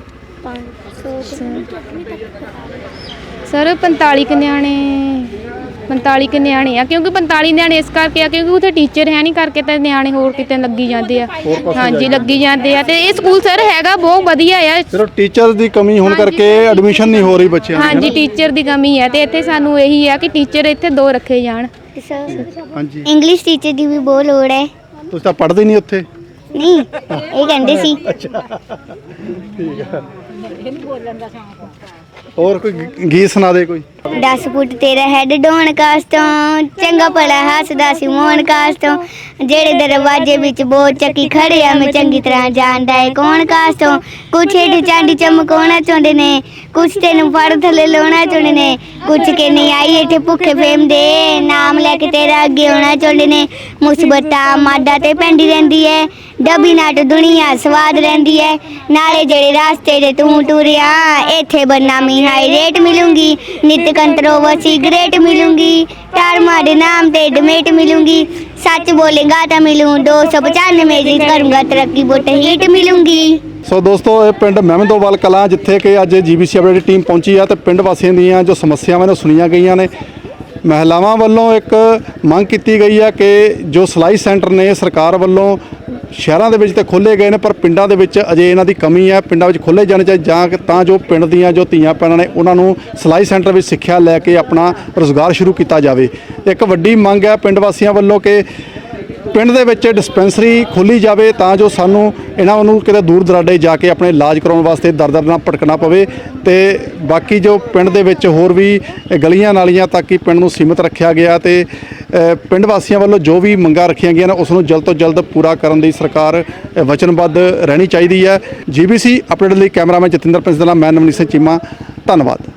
ਸਰ ਪੰਤਾਲੀ ਕੁ ਨਿਆਣੇ ਪੰਤਾਲੀ ਕੁ ਨਿਆਣੇ ਆ, ਕਿਉਂਕਿ ਪੰਤਾਲੀ ਨਿਆਣੇ ਇਸ ਕਰਕੇ ਆ ਕਿਉਂਕਿ ਉੱਥੇ ਟੀਚਰ ਹੈ ਨਹੀਂ ਕਰਕੇ ਤਾਂ ਨਿਆਣੇ ਹੋਰ ਕਿਤੇ ਲੱਗੀ ਜਾਂਦੇ ਆ। ਹਾਂਜੀ ਲੱਗੀ ਜਾਂਦੇ ਆ। ਤੇ ਇਹ ਸਕੂਲ ਸਰ ਹੈਗਾ ਬਹੁਤ ਵਧੀਆ ਆ।
ਸਿਰਫ ਟੀਚਰ ਦੀ ਕਮੀ ਹੋਣ ਕਰਕੇ ਐਡਮਿਸ਼ਨ ਨਹੀਂ ਹੋ ਰਹੀ ਬੱਚਿਆਂ ਦੀ।
ਹਾਂਜੀ ਟੀਚਰ ਦੀ ਕਮੀ ਹੈ ਤੇ ਇੱਥੇ ਸਾਨੂੰ ਇਹੀ ਆ ਕਿ ਟੀਚਰ ਇੱਥੇ ਦੋ ਰੱਖੇ ਜਾਣ।
ਹਾਂਜੀ
ਇੰਗਲਿਸ਼ ਟੀਚਰ ਦੀ ਵੀ ਬਹੁਤ ਲੋੜ ਹੈ।
ਤੁਸੀਂ ਤਾਂ ਪੜ੍ਹਦੇ ਨਹੀਂ ਉੱਥੇ?
ਨਹੀਂ ਇਹ ਕਹਿੰਦੇ ਸੀ।
ਠੀਕ ਹੈ। ਹੋਰ ਕੋਈ ਗੀਤ ਸੁਣਾ ਦੇ ਕੋਈ।
ਦਸ ਫੁੱਟ ਤੇਰਾ ਹੈਡ ਡੋਣ ਕਾਸ ਤੋਂ, ਚੰਗਾ ਭਲਾ ਹੱਸਦਾ ਸੀ ਮੋਹਨ ਕਾਸ ਤੋਂ, ਜਿਹੜੇ ਦਰਵਾਜ਼ੇ ਵਿੱਚ ਬਹੁਤ ਚੱਕੀ ਖੜੇ ਆ ਮੈਂ ਚੰਗੀ ਤਰ੍ਹਾਂ ਜਾਣਦਾ ਏ ਕੌਣ ਕਾਸ ਤੋਂ। ਕੁਛ ਹੇਠ ਚਾਂਦੀ ਚਮਕਾਉਣਾ ਚਾਹੁੰਦੇ ਨੇ, ਕੁਛ ਤੈਨੂੰ ਫੜ ਥੱਲੇ ਲਾਉਣਾ ਚਾਹੁੰਦੇ ਨੇ, ਕੁਛ ਕੇ ਨਹੀਂ ਆਈ ਇੱਥੇ ਭੁੱਖੇ ਫੇਮ ਦੇ, ਨਾਮ ਲੈ ਕੇ ਤੇਰਾ ਅੱਗੇ ਆਉਣਾ ਚਾਹੁੰਦੇ ਨੇ। ਮੁਸਬਤਾਂ ਮਾਦਾ ਤੇ ਪੈਂਦੀ ਰਹਿੰਦੀ ਹੈ, ਡੱਬੀ ਨਾਟ ਦੁਨੀਆ ਸਵਾਦ ਰਹਿੰਦੀ ਹੈ, ਨਾਲੇ ਜਿਹੜੇ ਰਾਸਤੇ ਦੇ ਤੂੰ ਟੁਰਿਆ ਇੱਥੇ ਬਦਨਾਮੀ ਹਾਈ ਰੇਟ ਮਿਲੂੰਗੀ, ਨਿਤ ਕੰਟਰੋਵਰਸੀ ਗ੍ਰੇਟ ਮਿਲੂੰਗੀ, ਟਾਰਮਾ ਦੇ ਨਾਮ ਤੇ ਡਿਮੇਟ ਮਿਲੂੰਗੀ, ਸੱਚ ਬੋਲੇਗਾ ਤਾਂ ਮਿਲੂੰ ਦੋ ਸੌ ਪਚਾਨਵੇਂ ਜੀ ਕਰੂੰਗਾ ਤਰੱਕੀ ਬੋਟ ਹੀਟ ਮਿਲੂੰਗੀ।
ਸੋ ਦੋਸਤੋ, ਇਹ ਪਿੰਡ ਮਹਿਮਦੋਵਾਲ ਕਲਾਂ ਜਿੱਥੇ ਕਿ ਅੱਜ ਜੀਬੀਸੀ ਅਪਡੇਟ ਦੀ ਟੀਮ ਪਹੁੰਚੀ ਆ ਤੇ ਪਿੰਡ ਵਾਸੀਆਂ ਦੀਆਂ ਜੋ ਸਮੱਸਿਆਵਾਂ ਨੇ ਸੁਣੀਆਂ ਗਈਆਂ ਨੇ। ਮਹਿਲਾਵਾਂ ਵੱਲੋਂ ਇੱਕ ਮੰਗ ਕੀਤੀ ਗਈ ਹੈ ਕਿ ਜੋ ਸਿਲਾਈ ਸੈਂਟਰ ਨੇ ਸਰਕਾਰ ਵੱਲੋਂ ਸ਼ਹਿਰਾਂ ਦੇ ਵਿੱਚ ਤੇ ਖੋਲ੍ਹੇ ਗਏ ਨੇ, ਪਰ ਪਿੰਡਾਂ ਦੇ ਵਿੱਚ ਅਜੇ ਇਹਨਾਂ ਦੀ ਕਮੀ ਹੈ। ਪਿੰਡਾਂ ਵਿੱਚ ਖੋਲ੍ਹੇ ਜਾਣੇ ਚਾਹੀਦੇ ਜਾਂ ਤਾਂ ਜੋ ਪਿੰਡ ਦੀਆਂ ਜੋ ਧੀਆਂ ਭੈਣਾਂ ਨੇ ਉਹਨਾਂ ਨੂੰ ਸਿਲਾਈ ਸੈਂਟਰ ਵਿੱਚ ਸਿੱਖਿਆ ਲੈ ਕੇ ਆਪਣਾ ਰੁਜ਼ਗਾਰ ਸ਼ੁਰੂ ਕੀਤਾ ਜਾਵੇ। ਇੱਕ ਵੱਡੀ ਮੰਗ ਹੈ ਪਿੰਡ ਵਾਸੀਆਂ ਵੱਲੋਂ ਕਿ ਪਿੰਡ ਦੇ ਵਿੱਚ ਡਿਸਪੈਂਸਰੀ ਖੋਲ੍ਹੀ ਜਾਵੇ ਤਾਂ ਜੋ ਸਾਨੂੰ ਇਹਨਾਂ ਨੂੰ ਕਿਤੇ ਦੂਰ ਦਰਾਡੇ ਜਾ ਕੇ ਆਪਣੇ ਇਲਾਜ ਕਰਾਉਣ ਵਾਸਤੇ ਦਰ ਦਰ ਨਾਲ ਭਟਕਣਾ ਪਵੇ। ਤੇ ਬਾਕੀ ਜੋ ਪਿੰਡ ਦੇ ਵਿੱਚ ਹੋਰ ਵੀ ਗਲੀਆਂ ਨਾਲੀਆਂ ਤੱਕ ਹੀ ਪਿੰਡ ਨੂੰ ਸੀਮਿਤ ਰੱਖਿਆ ਗਿਆ ਤੇ ਪਿੰਡ ਵਾਸੀਆਂ ਵੱਲੋਂ ਜੋ ਵੀ ਮੰਗਾਂ ਰੱਖੀਆਂ ਗਈਆਂ ਨੇ ਉਸ ਨੂੰ ਜਲਦ ਤੋਂ ਜਲਦ ਪੂਰਾ ਕਰਨ ਦੀ ਸਰਕਾਰ ਵਚਨਬੱਧ ਰਹਿਣੀ ਚਾਹੀਦੀ ਹੈ। ਜੀਬੀਸੀ ਅਪਡੇਟ ਲਈ ਕੈਮਰਾਮੈਨ ਜਤਿੰਦਰ ਪ੍ਰਿੰਸ ਦਾ ਨਾਮ, ਮੈਂ ਨਵਨੀਤ ਸਿੰਘ ਚੀਮਾ, ਧੰਨਵਾਦ।